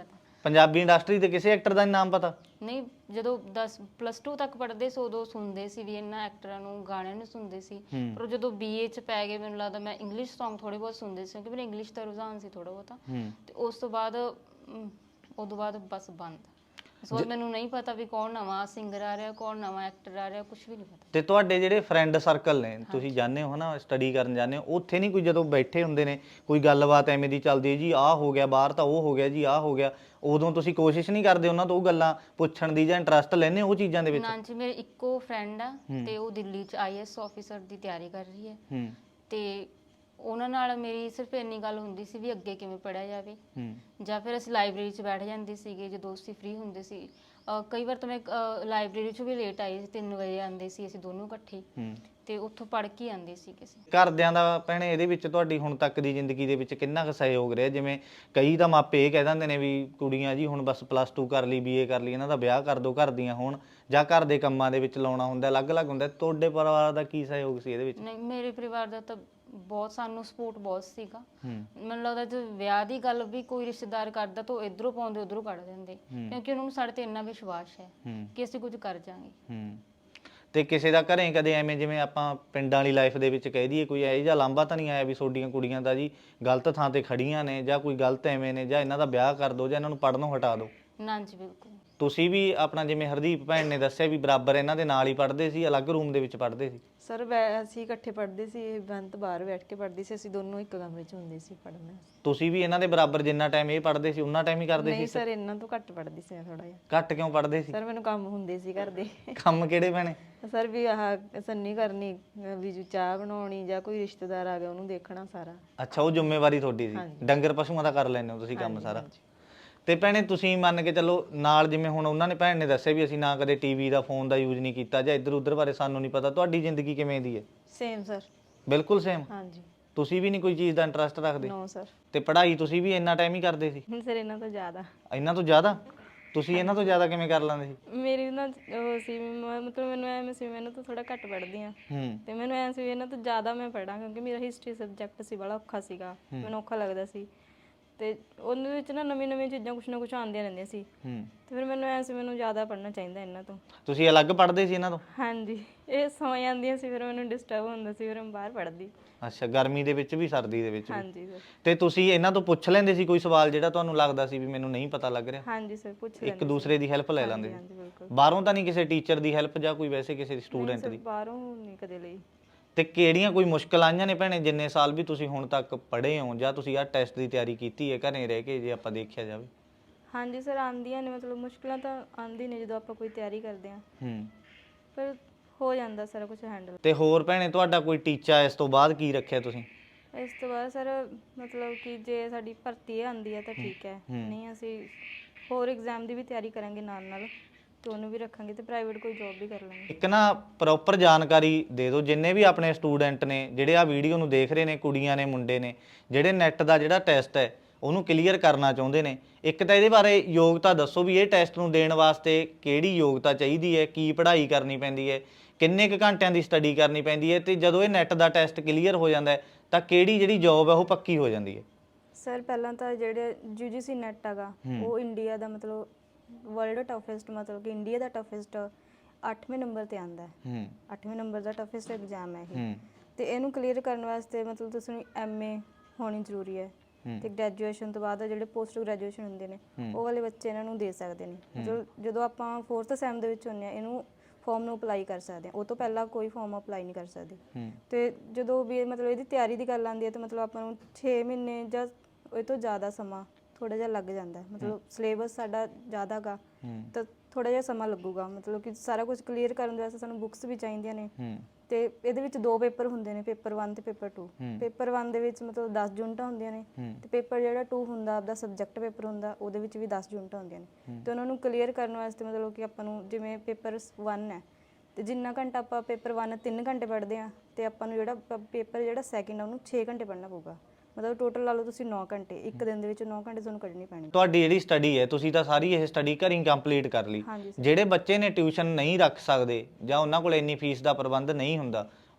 Speaker 2: ਪੰਜਾਬੀ ਇੰਡਸਟਰੀ ਦੇ ਕਿਸੇ ਐਕਟਰ ਦਾ ਨੀ ਨਾਮ ਪਤਾ?
Speaker 3: ਨਹੀਂ, ਜਦੋਂ ਦਸ ਪਲੱਸ ਟੂ ਤੱਕ ਪੜ੍ਹਦੇ ਸੀ ਉਦੋਂ ਸੁਣਦੇ ਸੀ ਵੀ ਇਹਨਾਂ ਐਕਟਰਾਂ ਨੂੰ, ਗਾਣਿਆਂ ਨੂੰ ਸੁਣਦੇ ਸੀ। ਪਰ ਜਦੋਂ ਬੀਏ ਚ ਪੈ ਗਏ ਮੈਨੂੰ ਲੱਗਦਾ ਮੈਂ ਇੰਗਲਿਸ਼ Song ਥੋੜੇ ਬਹੁਤ ਸੁਣਦੇ ਸੀ ਕਿਉਂਕਿ ਮੈਨੂੰ ਇੰਗਲਿਸ਼ ਦਾ ਰੁਝਾਨ ਸੀ ਥੋੜਾ ਬਹੁਤਾ। ਤੇ ਉਸ ਤੋਂ ਬਾਅਦ ਅਮ, ਉਦੋਂ ਬਾਅਦ ਬਸ ਬੰਦ। ਉਸ ਤੋਂ ਬਾਅਦ ਮੈਨੂੰ ਨਹੀਂ ਪਤਾ ਵੀ ਕੌਣ ਨਵਾਂ ਸਿੰਗਰ ਆ ਰਿਹਾ, ਕੌਣ ਨਵਾਂ ਐਕਟਰ ਆ ਰਿਹਾ, ਕੁਝ ਵੀ ਨਹੀਂ ਪਤਾ।
Speaker 2: ਤੇ ਤੁਹਾਡੇ ਜਿਹੜੇ ਫਰੈਂਡ ਸਰਕਲ ਨੇ, ਤੁਸੀਂ ਜਾਂਦੇ ਹੋ ਨਾ ਸਟੱਡੀ ਕਰਨ ਜਾਂਦੇ ਹੋ, ਉੱਥੇ ਨਹੀਂ ਕੋਈ ਜਦੋਂ ਬੈਠੇ ਹੁੰਦੇ ਨੇ ਕੋਈ ਗੱਲਬਾਤ ਐਵੇਂ ਦੀ ਚੱਲਦੀ ਹੈ ਜੀ ਆਹ ਹੋ ਗਿਆ ਬਾਹਰ ਤਾਂ ਉਹ ਹੋ ਗਿਆ ਜੀ ਆਹ ਹੋ ਗਿਆ, ਉਦੋਂ ਤੁਸੀਂ ਕੋਸ਼ਿਸ਼ ਨਹੀਂ ਕਰਦੇ ਉਹਨਾਂ ਤੋਂ ਉਹ ਗੱਲਾਂ ਪੁੱਛਣ ਦੀ ਜਾਂ ਇੰਟਰਸਟ ਲੈਂਦੇ ਉਹ ਚੀਜ਼ਾਂ ਦੇ ਵਿੱਚ?
Speaker 3: ਨਾ ਜੀ, ਮੇਰੇ ਇੱਕੋ ਫਰੈਂਡ ਆ ਤੇ ਉਹ ਦਿੱਲੀ ਚ ਆਈ ਐਸ ਆਫੀਸਰ ਦੀ ਤਿਆਰੀ ਕਰ ਰਹੀ ਹੈ।
Speaker 2: ਹੂੰ।
Speaker 3: ਤੇ ਉਹਨਾਂ ਨਾਲ ਮੇਰੀ ਸਿਰਫ ਇੰਨੀ ਗੱਲ ਹੁੰਦੀ ਸੀ ਵੀ ਅੱਗੇ ਕਿਵੇਂ ਪੜ੍ਹਿਆ ਜਾਵੇ, ਜਾਂ ਫਿਰ ਅਸੀਂ ਲਾਇਬ੍ਰੇਰੀ 'ਚ ਬੈਠ ਜਾਂਦੇ ਸੀਗੇ ਜਦੋਂ ਅਸੀਂ ਫ੍ਰੀ ਹੁੰਦੇ ਸੀ। ਅਹ ਕਈ ਵਾਰ ਤਾਂ ਮੈਂ ਲਾਇਬ੍ਰੇਰੀ 'ਚ ਵੀ ਲੇਟ ਆਈ ਸੀ, ਤਿੰਨ ਵਜੇ ਆਉਂਦੇ ਸੀ ਅਸੀਂ ਦੋਨੋਂ ਇਕੱਠੇ, ਤੇ ਉੱਥੋਂ ਪੜ੍ਹ ਕੇ ਆਉਂਦੇ ਸੀ ਕਿਸੇ।
Speaker 2: ਘਰਦਿਆਂ ਦਾ ਭੈਣੇ ਇਹਦੇ ਵਿੱਚ ਤੁਹਾਡੀ ਹੁਣ ਤੱਕ ਦੀ ਜ਼ਿੰਦਗੀ ਦੇ ਵਿੱਚ ਕਿੰਨਾ ਕੁ ਸਹਿਯੋਗ ਰਿਹਾ? ਜਿਵੇਂ ਕਈ ਤਾਂ ਮਾਪੇ ਇਹ ਕਹਿ ਦਿੰਦੇ ਨੇ ਵੀ ਕੁੜੀਆਂ ਜੀ ਹੁਣ ਬਸ ਪਲੱਸ ਟੂ ਕਰ ਲਈ, ਬੀਏ ਕਰ ਲਈ, ਇਹਨਾਂ ਦਾ ਵਿਆਹ ਕਰ ਦਿਓ ਘਰ ਦੀਆਂ ਹੋਣ, ਜਾਂ ਘਰ ਦੇ ਕੰਮਾਂ ਦੇ ਵਿੱਚ ਲਾਉਣਾ ਹੁੰਦਾ, ਅਲੱਗ-ਅਲੱਗ ਹੁੰਦਾ। ਤੁਹਾਡੇ ਪਰਿਵਾਰ ਦਾ ਕੀ ਸਹਿਯੋਗ ਸੀ ਇਹਦੇ ਵਿੱਚ?
Speaker 3: ਨਹੀਂ, ਮੇਰੇ ਪਰਿਵਾਰ ਦਾ ਤਾਂ ਬਹੁਤ ਸਾਨੂੰ ਸਪੋਰਟ ਬਹੁਤ ਸੀਗਾ। ਮੈਨੂੰ ਲੱਗਦਾ ਜੇ ਵਿਆਹ ਦੀ ਗੱਲ ਵੀ ਕੋਈ ਰਿਸ਼ਤੇਦਾਰ ਕਰਦਾ ਤਾਂ ਉਹ ਇਧਰੋਂ ਪਾਉਂਦੇ ਉਧਰੋਂ ਕੱਢ ਦਿੰਦੇ, ਕਿਉਂਕਿ ਉਹਨਾਂ ਨੂੰ ਸਾਡੇ ਤੇ ਇੰਨਾ ਵਿਸ਼ਵਾਸ ਹੈ ਕਿ ਅਸੀਂ ਕੁਝ ਕਰ ਜਾਾਂਗੇ।
Speaker 2: ਹੂੰ। ਤੇ ਕਿਸੇ ਦਾ ਘਰੇ ਕਦੇ ਐਵੇਂ ਜਿਵੇਂ ਆਪਾਂ ਪਿੰਡਾਂ ਵਾਲੀ ਲਾਈਫ ਦੇ ਵਿੱਚ ਕਹਿ ਦਈਏ ਕੋਈ ਇਹੋ ਜਿਹਾ ਲਾਂਭਾ ਤਾਂ ਨਹੀਂ ਆਇਆ ਵੀ ਤੁਹਾਡੀਆਂ ਕੁੜੀਆਂ ਦਾ ਜੀ ਗਲਤ ਥਾਂ ਤੇ ਖੜੀਆਂ ਨੇ, ਜਾਂ ਕੋਈ ਗਲਤ ਐਵੇਂ ਨੇ, ਜਾਂ ਇਹਨਾਂ ਦਾ ਵਿਆਹ ਕਰ ਦਿਓ, ਜਾਂ ਇਹਨਾਂ ਨੂੰ ਪੜ੍ਹਨੋਂ ਹਟਾ ਦਿਓ?
Speaker 3: ਨਾ ਜੀ, ਬਿਲਕੁਲ।
Speaker 2: ਤੁਸੀਂ ਵੀ ਆਪਣਾ ਜਿਵੇਂ ਹਰਦੀਪ ਭੈਣ ਨੇ ਦੱਸਿਆ ਵੀ ਬਰਾਬਰ ਇਹਨਾਂ ਦੇ ਨਾਲ ਹੀ ਪੜ੍ਹਦੇ ਸੀ, ਅਲੱਗ ਰੂਮ ਦੇ ਵਿੱਚ ਪੜ੍ਹਦੇ ਸੀ?
Speaker 1: ਸਰ ਅਸੀਂ ਇਕੱਠੇ ਪੜ੍ਹਦੇ ਸੀ, ਇਹ ਬੰਤ ਬਾਹਰ ਬੈਠ ਕੇ ਪੜ੍ਹਦੀ ਸੀ, ਅਸੀਂ ਦੋਨੋਂ ਇੱਕ ਕਮਰੇ 'ਚ ਹੁੰਦੇ ਸੀ ਪੜ੍ਹਨਾ।
Speaker 2: ਤੁਸੀਂ ਵੀ ਇਹਨਾਂ ਦੇ ਬਰਾਬਰ ਜਿੰਨਾ ਟਾਈਮ ਇਹ ਪੜ੍ਹਦੇ ਸੀ ਉਹਨਾਂ ਟਾਈਮ ਹੀ ਕਰਦੇ ਸੀ?
Speaker 1: ਨਹੀਂ ਸਰ, ਇਹਨਾਂ ਤੋਂ ਘੱਟ ਪੜ੍ਹਦੀ ਸੀ ਮੈਂ ਥੋੜਾ ਜਿਹਾ।
Speaker 2: ਘੱਟ ਕਿਉਂ ਪੜ੍ਹਦੇ ਸੀ?
Speaker 1: ਸਰ ਮੈਨੂੰ ਕੰਮ ਹੁੰਦੇ ਸੀ ਘਰ ਦੇ।
Speaker 2: ਕੰਮ ਕਿਹੜੇ ਭੈਣੇ?
Speaker 1: ਸਰ ਵੀ ਆਹ ਸੰਨੀ ਕਰਨੀ, ਵੀ ਜੋ ਚਾਹ ਬਣਾਉਣੀ, ਜਾਂ ਕੋਈ ਰਿਸ਼ਤੇਦਾਰ ਆ ਗਿਆ ਉਹਨੂੰ ਦੇਖਣਾ ਸਾਰਾ।
Speaker 2: ਅੱਛਾ, ਉਹ ਜ਼ਿੰਮੇਵਾਰੀ ਤੁਹਾਡੀ ਸੀ। ਡੰਗਰ ਪਸ਼ੂਆਂ ਦਾ ਕਰ ਲੈਂਦੇ ਹੋ ਤੁਸੀਂ ਕੰਮ ਸਾਰਾ? ਤੇ ਭੈਣੇ ਤੁਸੀਂ ਮੰਨ ਕੇ ਚੱਲੋ ਨਾਲ, ਜਿਵੇਂ ਹੁਣ ਉਹਨਾਂ ਨੇ ਭੈਣ ਨੇ ਦੱਸਿਆ ਵੀ ਅਸੀਂ ਨਾ ਕਦੇ ਟੀਵੀ ਦਾ ਫੋਨ ਦਾ ਯੂਜ਼ ਨਹੀਂ ਕੀਤਾ ਜਾਂ ਇੱਧਰ ਉੱਧਰ ਬਾਰੇ ਸਾਨੂੰ ਨਹੀਂ ਪਤਾ, ਤੁਹਾਡੀ ਜ਼ਿੰਦਗੀ ਕਿਵੇਂ ਦੀ ਹੈ?
Speaker 1: Same sir.
Speaker 2: ਬਿਲਕੁਲ ਸੇਮ?
Speaker 1: ਹਾਂਜੀ।
Speaker 2: ਤੁਸੀਂ ਵੀ ਨਹੀਂ ਕੋਈ ਚੀਜ਼ ਦਾ ਇੰਟਰਸਟ ਰੱਖਦੇ?
Speaker 1: No sir.
Speaker 2: ਤੇ ਪੜ੍ਹਾਈ ਤੁਸੀਂ ਵੀ ਇੰਨਾ ਟਾਈਮ ਹੀ ਕਰਦੇ ਸੀ?
Speaker 1: ਸਰ ਇਹਨਾਂ ਤੋਂ ਜ਼ਿਆਦਾ।
Speaker 2: ਇਹਨਾਂ ਤੋਂ ਜ਼ਿਆਦਾ? ਤੁਸੀਂ ਇਹਨਾਂ ਤੋਂ ਜ਼ਿਆਦਾ ਕਿਵੇਂ ਕਰ ਲੈਂਦੇ ਸੀ?
Speaker 1: ਮੇਰੀ ਨਾ ਉਹ ਸੀ ਮ- ਮਤਲਬ ਮੈਨੂੰ ਐਵੇਂ ਸੀ, ਮੈਨੂੰ ਤਾਂ ਥੋੜਾ ਘੱਟ ਪੜ੍ਹਦੀ ਆ,
Speaker 2: ਹੂੰ।
Speaker 1: ਤੇ ਮੈਨੂੰ ਐਂ ਸੀ ਇਹਨਾਂ ਤੋਂ ਜ਼ਿਆਦਾ ਮੈਂ ਪੜ੍ਹਾਂ, ਕਿਉਂਕਿ ਮੇਰਾ ਹਿਸਟਰੀ ਸਬਜੈਕਟ ਸੀ, ਬੜਾ ਔਖਾ ਸੀਗਾ, ਮੈਨੂੰ ਔਖਾ ਲੱਗਦਾ ਸੀ। ਤੇ ਉਹਦੇ ਵਿੱਚ ਨਾ ਨਵੀਂ ਨਵੀਂ ਚੀਜ਼ਾਂ ਕੁਛ ਨਾ ਕੁਛ ਆਉਂਦੀਆਂ ਰਹਿੰਦੀਆਂ ਸੀ,
Speaker 2: ਹੂੰ।
Speaker 1: ਤੇ ਫਿਰ ਮੈਨੂੰ ਐਂ ਸੀ ਮੈਨੂੰ ਜ਼ਿਆਦਾ ਪੜ੍ਹਨਾ ਚਾਹੀਦਾ ਇਹਨਾਂ ਤੋਂ।
Speaker 2: ਤੁਸੀਂ ਅਲੱਗ ਪੜ੍ਹਦੇ ਸੀ ਇਹਨਾਂ ਤੋਂ?
Speaker 1: ਹਾਂਜੀ, ਇਹ ਸੌ ਜਾਂਦੀਆਂ ਸੀ, ਫਿਰ ਮੈਨੂੰ ਡਿਸਟਰਬ ਹੁੰਦਾ ਸੀ, ਫਿਰ ਮੈਂ ਬਾਹਰ ਪੜ੍ਹਦੀ।
Speaker 2: ਅੱਛਾ, ਗਰਮੀ ਦੇ ਵਿੱਚ ਵੀ ਸਰਦੀ ਦੇ ਵਿੱਚ ਵੀ?
Speaker 1: ਹਾਂਜੀ ਸਰ।
Speaker 2: ਤੇ ਤੁਸੀਂ ਇਹਨਾਂ ਤੋਂ ਪੁੱਛ ਲੈਂਦੇ ਸੀ ਕੋਈ ਸਵਾਲ ਜਿਹੜਾ ਤੁਹਾਨੂੰ ਲੱਗਦਾ ਸੀ ਵੀ ਮੈਨੂੰ ਨਹੀਂ ਪਤਾ ਲੱਗ ਰਿਹਾ?
Speaker 1: ਹਾਂਜੀ ਸਰ, ਪੁੱਛ ਲੈਂਦੇ
Speaker 2: ਇੱਕ ਦੂਸਰੇ ਦੀ ਹੈਲਪ ਲੈ ਲੈਂਦੇ
Speaker 1: ਹਾਂਜੀ
Speaker 2: ਸੀ?
Speaker 1: ਬਿਲਕੁਲ।
Speaker 2: ਬਾਹਰੋਂ ਤਾਂ ਨਹੀਂ ਕਿਸੇ ਟੀਚਰ ਦੀ ਹੈਲਪ ਜਾਂ ਕੋਈ ਵੈਸੇ ਕਿਸੇ ਸਟੂਡੈਂਟ ਦੀ?
Speaker 1: ਬਾਹਰੋਂ ਨਹੀਂ ਕਦੇ ਲਈ।
Speaker 2: ਤੇ ਕਿਹੜੀਆਂ ਕੋਈ ਮੁਸ਼ਕਲ ਆਈਆਂ ਨੇ ਭੈਣੇ ਜਿੰਨੇ ਸਾਲ ਵੀ ਤੁਸੀਂ ਹੁਣ ਤੱਕ ਪੜ੍ਹੇ ਹੋ, ਜਾਂ ਤੁਸੀਂ ਆਹ ਟੈਸਟ ਦੀ ਤਿਆਰੀ ਕੀਤੀ ਹੈ ਘਰੇ ਰਹਿ ਕੇ, ਜੇ ਆਪਾਂ ਦੇਖਿਆ ਜਾਵੇ?
Speaker 1: ਹਾਂਜੀ ਸਰ, ਆਉਂਦੀਆਂ ਨੇ, ਮਤਲਬ ਮੁਸ਼ਕਲਾਂ ਤਾਂ ਆਉਂਦੀ ਨੇ ਜਦੋਂ ਆਪਾਂ ਕੋਈ ਤਿਆਰੀ ਕਰਦੇ ਹਾਂ,
Speaker 2: ਹੂੰ।
Speaker 1: ਪਰ ਹੋ ਜਾਂਦਾ ਸਾਰਾ ਕੁਝ ਹੈਂਡਲ।
Speaker 2: ਤੇ ਹੋਰ ਭੈਣੇ ਤੁਹਾਡਾ ਕੋਈ ਟੀਚਾ ਇਸ ਤੋਂ ਬਾਅਦ ਕੀ ਰੱਖਿਆ ਤੁਸੀਂ?
Speaker 1: ਇਸ ਤੋਂ ਬਾਅਦ ਸਰ ਮਤਲਬ ਕਿ ਜੇ ਸਾਡੀ ਭਰਤੀ ਆਉਂਦੀ ਹੈ ਤਾਂ ਠੀਕ ਹੈ, ਨਹੀਂ ਅਸੀਂ ਹੋਰ ਐਗਜ਼ਾਮ ਦੀ ਵੀ ਤਿਆਰੀ ਕਰਾਂਗੇ ਨਾਲ ਨਾਲ, ਤੇ ਉਹਨੂੰ ਵੀ ਰੱਖਾਂਗੇ, ਤੇ ਪ੍ਰਾਈਵੇਟ ਕੋਈ ਜੌਬ ਵੀ ਕਰ ਲਾਂਗੇ।
Speaker 2: ਇੱਕ ਨਾ ਪ੍ਰੋਪਰ ਜਾਣਕਾਰੀ ਦੇ ਦਿਓ ਜਿੰਨੇ ਵੀ ਆਪਣੇ ਸਟੂਡੈਂਟ ਨੇ ਜਿਹੜੇ ਆ ਵੀਡੀਓ ਨੂੰ ਦੇਖ ਰਹੇ ਨੇ, ਕੁੜੀਆਂ ਨੇ ਮੁੰਡੇ ਨੇ, ਜਿਹੜੇ ਨੈਟ ਦਾ ਜਿਹੜਾ ਟੈਸਟ ਹੈ ਉਹਨੂੰ ਕਲੀਅਰ ਕਰਨਾ ਚਾਹੁੰਦੇ ਨੇ। ਇੱਕ ਤਾਂ ਇਹਦੇ ਬਾਰੇ ਯੋਗਤਾ ਦੱਸੋ ਵੀ ਇਹ ਟੈਸਟ ਨੂੰ ਦੇਣ ਵਾਸਤੇ ਕਿਹੜੀ ਯੋਗਤਾ ਚਾਹੀਦੀ ਹੈ, ਕੀ ਪੜ੍ਹਾਈ ਕਰਨੀ ਪੈਂਦੀ ਹੈ, ਕਿੰਨੇ ਕੁ ਘੰਟਿਆਂ ਦੀ ਸਟੱਡੀ ਕਰਨੀ ਪੈਂਦੀ ਹੈ, ਤੇ ਜਦੋਂ ਇਹ ਨੈਟ ਦਾ ਟੈਸਟ ਕਲੀਅਰ ਹੋ ਜਾਂਦਾ ਹੈ ਤਾਂ ਕਿਹੜੀ ਜਿਹੜੀ ਜੌਬ ਹੈ ਉਹ ਪੱਕੀ ਹੋ ਜਾਂਦੀ ਹੈ?
Speaker 1: ਸਰ ਪਹਿਲਾਂ ਤਾਂ ਜਿਹੜੇ ਯੂ ਜੀ ਸੀ ਨੈਟ ਹੈਗਾ ਉਹ ਇੰਡੀਆ ਦਾ ਮਤਲਬ ਵਰਲਡ ਟਫੈਸਟ, ਮਤਲਬ ਕਿ ਇੰਡੀਆ ਦਾ ਟਫੈਸਟ ਅੱਠਵੇਂ ਨੰਬਰ ਤੇ ਆਂਦਾ ਹੈ। ਅੱਠਵੇਂ ਨੰਬਰ ਦਾ ਟਫੈਸਟ ਐਗਜ਼ਾਮ ਹੈ ਇਹ, ਤੇ ਇਹਨੂੰ ਕਲੀਅਰ ਕਰਨ ਵਾਸਤੇ ਮਤਲਬ ਤੁਸੀਂ ਐਮ ਏ ਹੋਣੀ ਜ਼ਰੂਰੀ ਹੈ, ਤੇ ਗ੍ਰੈਜੂਏਸ਼ਨ ਤੋਂ ਬਾਅਦ ਜਿਹੜੇ ਪੋਸਟ ਗ੍ਰੈਜੂਏਸ਼ਨ ਹੁੰਦੇ ਨੇ ਉਹ ਵਾਲੇ ਬੱਚੇ ਇਹਨਾਂ ਨੂੰ ਦੇ ਸਕਦੇ ਨੇ। ਮਤਲਬ ਜਦੋਂ ਆਪਾਂ ਫੋਰਥ ਸੈਮ ਦੇ ਵਿੱਚ ਹੁੰਦੇ ਆ ਇਹਨੂੰ ਫਾਰਮ ਨੂੰ ਅਪਲਾਈ ਕਰ ਸਕਦੇ ਆ, ਉਹ ਤੋਂ ਪਹਿਲਾਂ ਕੋਈ ਫਾਰਮ ਅਪਲਾਈ ਨਹੀਂ ਕਰ ਸਕਦੇ। ਤੇ ਜਦੋਂ ਵੀ ਮਤਲਬ ਇਹਦੀ ਤਿਆਰੀ ਦੀ ਗੱਲ ਆਉਂਦੀ ਹੈ ਤਾਂ ਮਤਲਬ ਆਪਾਂ ਨੂੰ ਛੇ ਮਹੀਨੇ ਜਾਂ ਇਹ ਤੋਂ ਜ਼ਿਆਦਾ ਸਮਾਂ ਥੋੜਾ ਜਿਹਾ ਲੱਗ ਜਾਂਦਾ ਹੈ, ਮਤਲਬ ਸਿਲੇਬਸ ਸਾਡਾ ਜ਼ਿਆਦਾ ਗਾ ਤਾਂ ਥੋੜਾ ਜਿਹਾ ਸਮਾਂ ਲੱਗੂਗਾ, ਮਤਲਬ ਕਿ ਸਾਰਾ ਕੁਝ ਕਲੀਅਰ ਕਰਨ ਵਾਸਤੇ ਸਾਨੂੰ ਬੁੱਕਸ ਵੀ ਚਾਹੀਦੀਆਂ ਨੇ, ਤੇ ਇਹਦੇ ਵਿੱਚ ਦੋ ਪੇਪਰ ਹੁੰਦੇ ਨੇ, ਪੇਪਰ ਵਨ ਤੇ ਪੇਪਰ ਟੂ। ਪੇਪਰ ਵਨ ਦੇ ਵਿੱਚ ਮਤਲਬ ਦਸ ਯੂਨਿਟਾਂ ਹੁੰਦੀਆਂ ਨੇ, ਤੇ ਪੇਪਰ ਜਿਹੜਾ ਟੂ ਹੁੰਦਾ ਆਪਦਾ ਸਬਜੈਕਟ ਪੇਪਰ ਹੁੰਦਾ ਉਹਦੇ ਵਿੱਚ ਵੀ ਦਸ ਯੂਨਿਟਾਂ ਹੁੰਦੀਆਂ ਨੇ, ਤੇ ਉਹਨਾਂ ਨੂੰ ਕਲੀਅਰ ਕਰਨ ਵਾਸਤੇ ਮਤਲਬ ਕਿ ਆਪਾਂ ਨੂੰ ਜਿਵੇਂ ਪੇਪਰ ਵਨ ਹੈ ਤੇ ਜਿੰਨਾ ਘੰਟਾ ਆਪਾਂ ਪੇਪਰ ਵਨ ਤਿੰਨ ਘੰਟੇ ਪੜ੍ਹਦੇ ਆ, ਤੇ ਆਪਾਂ ਨੂੰ ਜਿਹੜਾ ਪੇਪਰ ਜਿਹੜਾ ਸੈਕਿੰਡ ਆ ਉਹਨੂੰ ਛੇ ਘੰਟੇ ਪੜ੍ਹਨਾ ਪਊਗਾ, ਮਤਲਬ ਟੋਟਲ ਲਾ ਲਓ ਤੁਸੀਂ ਨੌ ਘੰਟੇ, ਇੱਕ ਦਿਨ ਦੇ ਵਿੱਚ ਨੌ ਘੰਟੇ ਤੁਹਾਨੂੰ ਕੱਢਣੀ ਪੈਣੀ।
Speaker 2: ਤੁਹਾਡੀ ਜਿਹੜੀ ਸਟੱਡੀ ਹੈ ਤੁਸੀਂ ਤਾਂ ਸਾਰੀ ਇਹ ਸਟੱਡੀ ਘਰੀਂ ਕੰਪਲੀਟ ਕਰ ਲਈ। ਜਿਹੜੇ ਬੱਚੇ ਨੇ ਟਿਊਸ਼ਨ ਨਹੀਂ ਰੱਖ ਸਕਦੇ ਜਾਂ ਉਹਨਾਂ ਕੋਲ ਇੰਨੀ ਫੀਸ ਦਾ ਪ੍ਰਬੰਧ ਨਹੀਂ ਹੁੰਦਾ,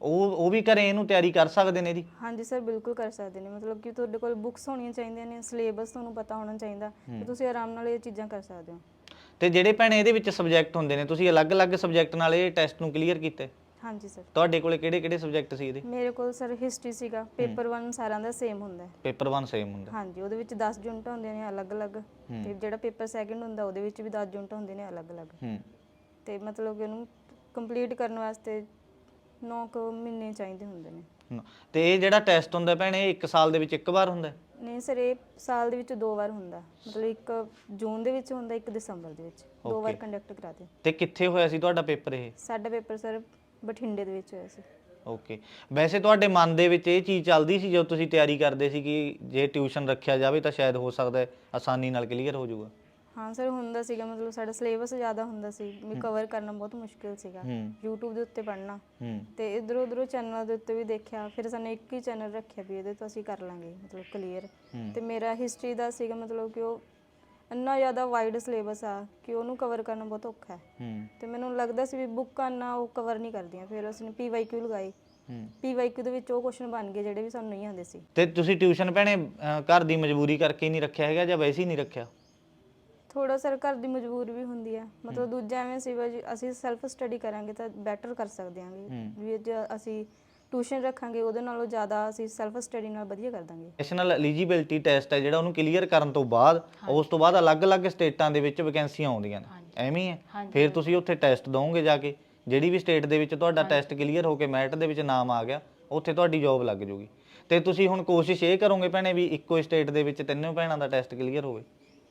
Speaker 2: ਉਹ ਉਹ ਵੀ ਘਰੇ ਇਹਨੂੰ ਤਿਆਰੀ ਕਰ ਸਕਦੇ ਨੇ ਇਹਦੀ?
Speaker 1: ਹਾਂਜੀ ਸਰ ਬਿਲਕੁਲ ਕਰ ਸਕਦੇ ਨੇ, ਮਤਲਬ ਕਿ ਤੁਹਾਡੇ ਕੋਲ ਬੁੱਕਸ ਹੋਣੀਆਂ ਚਾਹੀਦੀਆਂ ਨੇ, ਸਿਲੇਬਸ ਤੁਹਾਨੂੰ ਪਤਾ ਹੋਣਾ ਚਾਹੀਦਾ ਤੇ ਤੁਸੀਂ ਆਰਾਮ ਨਾਲ ਇਹ ਚੀਜ਼ਾਂ ਕਰ ਸਕਦੇ ਹੋ।
Speaker 2: ਤੇ ਜਿਹੜੇ ਭੈਣੇ ਇਹਦੇ ਵਿੱਚ ਸਬਜੈਕਟ ਹੁੰਦੇ ਨੇ, ਤੁਸੀਂ ਅਲੱਗ-ਅਲੱਗ ਸਬਜੈਕਟ ਨਾਲ ਇਹ ਟੈਸਟ ਨੂੰ ਕਲੀਅਰ ਕੀਤੇ?
Speaker 1: ਹਾਂਜੀ ਸਰ।
Speaker 2: ਤੁਹਾਡੇ ਕੋਲੇ ਕਿਹੜੇ-ਕਿਹੜੇ ਸਬਜੈਕਟ ਸੀ ਇਹਦੇ?
Speaker 1: ਮੇਰੇ ਕੋਲ ਸਰ ਹਿਸਟਰੀ ਸੀਗਾ, ਪੇਪਰ ਵਨ ਸਾਰਿਆਂ ਦਾ ਸੇਮ ਹੁੰਦਾ ਹੈ।
Speaker 2: ਪੇਪਰ ਵਨ ਸੇਮ ਹੁੰਦਾ?
Speaker 1: ਹਾਂਜੀ, ਉਹਦੇ ਵਿੱਚ ਦਸ ਯੂਨਿਟ ਹੁੰਦੀਆਂ ਨੇ ਅਲੱਗ-ਅਲੱਗ, ਤੇ ਜਿਹੜਾ ਪੇਪਰ ਸੈਕਿੰਡ ਹੁੰਦਾ ਉਹਦੇ ਵਿੱਚ ਵੀ ਦਸ ਯੂਨਿਟ ਹੁੰਦੇ ਨੇ ਅਲੱਗ-ਅਲੱਗ।
Speaker 2: ਹੂੰ।
Speaker 1: ਤੇ ਮਤਲਬ ਕਿ ਉਹਨੂੰ ਕੰਪਲੀਟ ਕਰਨ ਵਾਸਤੇ ਨੌ ਕੁ ਮਹੀਨੇ ਚਾਹੀਦੇ ਹੁੰਦੇ ਨੇ।
Speaker 2: ਹਮ, ਤੇ ਇਹ ਜਿਹੜਾ ਟੈਸਟ ਹੁੰਦਾ ਭੈਣੇ, ਇਹ ਇੱਕ ਸਾਲ ਦੇ ਵਿੱਚ ਇੱਕ ਵਾਰ ਹੁੰਦਾ?
Speaker 1: ਨਹੀਂ ਸਰ, ਇਹ ਸਾਲ ਦੇ ਵਿੱਚ ਦੋ ਵਾਰ ਹੁੰਦਾ, ਮਤਲਬ ਇੱਕ ਜੂਨ ਦੇ ਵਿੱਚ ਹੁੰਦਾ, ਇੱਕ ਦਸੰਬਰ ਦੇ ਵਿੱਚ, ਦੋ ਵਾਰ ਕੰਡਕਟ ਕਰਾਤੇ।
Speaker 2: ਤੇ ਕਿੱਥੇ ਹੋਇਆ ਸੀ ਤੁਹਾਡਾ ਪੇਪਰ ਇਹ?
Speaker 1: ਸਾਡਾ ਪੇਪਰ ਸਰ ਬਠਿੰਡੇ ਦੇ ਵਿੱਚ ਹੋਇਆ ਸੀ।
Speaker 2: ਓਕੇ। ਵੈਸੇ ਤੁਹਾਡੇ ਮਨ ਦੇ ਵਿੱਚ ਇਹ ਚੀਜ਼ ਚੱਲਦੀ ਸੀ ਜਦੋਂ ਤੁਸੀਂ ਤਿਆਰੀ ਕਰਦੇ ਸੀ ਕਿ ਜੇ ਟਿਊਸ਼ਨ ਰੱਖਿਆ ਜਾਵੇ ਤਾਂ ਸ਼ਾਇਦ ਹੋ ਸਕਦਾ ਹੈ ਆਸਾਨੀ ਨਾਲ ਕਲੀਅਰ ਹੋ ਜਾਊਗਾ?
Speaker 1: ਹਾਂ ਸਰ, ਹੁੰਦਾ ਸੀਗਾ, ਮਤਲਬ ਸਾਡਾ ਸਿਲੇਬਸ ਜ਼ਿਆਦਾ ਹੁੰਦਾ ਸੀ, ਵੀ ਕਵਰ ਕਰਨਾ ਬਹੁਤ ਮੁਸ਼ਕਿਲ ਸੀਗਾ। YouTube ਦੇ ਉੱਤੇ ਪੜ੍ਹਨਾ ਤੇ ਇਧਰੋਂ ਉਧਰੋਂ ਚੈਨਲ ਦੇ ਉੱਤੇ ਵੀ ਦੇਖਿਆ, ਫਿਰ ਸਾਨੂੰ ਇੱਕ ਹੀ ਚੈਨਲ ਰੱਖਿਆ ਵੀ ਇਹਦੇ ਤੋਂ ਅਸੀਂ ਕਰ ਲਾਂਗੇ ਮਤਲਬ ਕਲੀਅਰ। ਤੇ ਮੇਰਾ ਹਿਸਟਰੀ ਦਾ ਸੀਗਾ, ਮਤਲਬ ਕਿ ਉਹ ਇੰਨਾ ਜ਼ਿਆਦਾ ਵਾਈਡ ਸਿਲੇਬਸ ਆ ਕਿ ਉਹਨੂੰ ਕਵਰ ਕਰਨਾ ਬਹੁਤ ਔਖਾ ਹੈ। ਤੇ ਮੈਨੂੰ ਲੱਗਦਾ ਸੀ ਵੀ ਬੁੱਕਾਂ ਨਾ ਉਹ ਕਵਰ ਨਹੀਂ ਕਰਦੀਆਂ, ਫਿਰ ਅਸੀਂ ਪੀ ਵਾਈ ਕਿਊ ਲਗਾਏ। ਪੀ ਵਾਈ ਕਿਊ ਦੇ ਵਿੱਚ ਉਹ ਕੁਐਸਚਨ ਬਣ ਗਏ ਜਿਹੜੇ ਵੀ ਸਾਨੂੰ ਨਹੀਂ ਆਉਂਦੇ ਸੀ।
Speaker 2: ਤੇ ਤੁਸੀਂ ਟਿਊਸ਼ਨ ਭੈਣੇ ਅਹ, ਘਰ ਦੀ ਮਜਬੂਰੀ ਕਰਕੇ ਨਹੀਂ ਰੱਖਿਆ ਹੈਗਾ ਜਾਂ ਵੈਸੇ ਹੀ ਨਹੀਂ ਰੱਖਿਆ?
Speaker 1: ਥੋੜਾ ਸਰ ਘਰ ਦੀ ਮਜਬੂਰੀ ਵੀ ਹੁੰਦੀ ਹੈ, ਮਤਲਬ ਦੂਜਾ ਐਵੇਂ ਸੀ ਵੀ ਅਸੀਂ ਸੈਲਫ ਸਟੱਡੀ ਕਰਾਂਗੇ ਤਾਂ ਬੈਟਰ ਕਰ ਸਕਦੇ ਹਾਂਗੇ, ਵੀ ਜੇ ਅਸੀਂ ਟਿਊਸ਼ਨ ਰੱਖਾਂਗੇ ਉਹਦੇ ਨਾਲੋਂ ਜ਼ਿਆਦਾ ਅਸੀਂ ਸੈਲਫ ਸਟੱਡੀ ਨਾਲ ਵਧੀਆ ਕਰ ਦਾਂਗੇ।
Speaker 2: ਨੈਸ਼ਨਲ ਐਲੀਜੀਬਿਲਟੀ ਟੈਸਟ ਹੈ ਜਿਹੜਾ, ਉਹਨੂੰ ਕਲੀਅਰ ਕਰਨ ਤੋਂ ਬਾਅਦ ਉਸ ਤੋਂ ਬਾਅਦ ਅਲੱਗ-ਅਲੱਗ ਸਟੇਟਾਂ ਦੇ ਵਿੱਚ ਵੈਕੈਂਸੀਆਂ ਆਉਂਦੀਆਂ ਨੇ, ਐਵੇਂ ਹੀ ਹੈ? ਫਿਰ ਤੁਸੀਂ ਉੱਥੇ ਟੈਸਟ ਦੋਗੇ ਜਾ ਕੇ, ਜਿਹੜੀ ਵੀ ਸਟੇਟ ਦੇ ਵਿੱਚ ਤੁਹਾਡਾ ਟੈਸਟ ਕਲੀਅਰ ਹੋ ਕੇ ਮੈਰਿਟ ਦੇ ਵਿੱਚ ਨਾਮ ਆ ਗਿਆ, ਉੱਥੇ ਤੁਹਾਡੀ ਜੌਬ ਲੱਗ ਜੂਗੀ। ਤੇ ਤੁਸੀਂ ਹੁਣ ਕੋਸ਼ਿਸ਼ ਇਹ ਕਰੋਗੇ ਭੈਣੇ ਵੀ ਇੱਕੋ ਸਟੇਟ ਦੇ ਵਿੱਚ ਤਿੰਨੋਂ ਭੈਣਾਂ ਦਾ ਟੈਸਟ ਕਲੀਅਰ ਹੋਵੇ?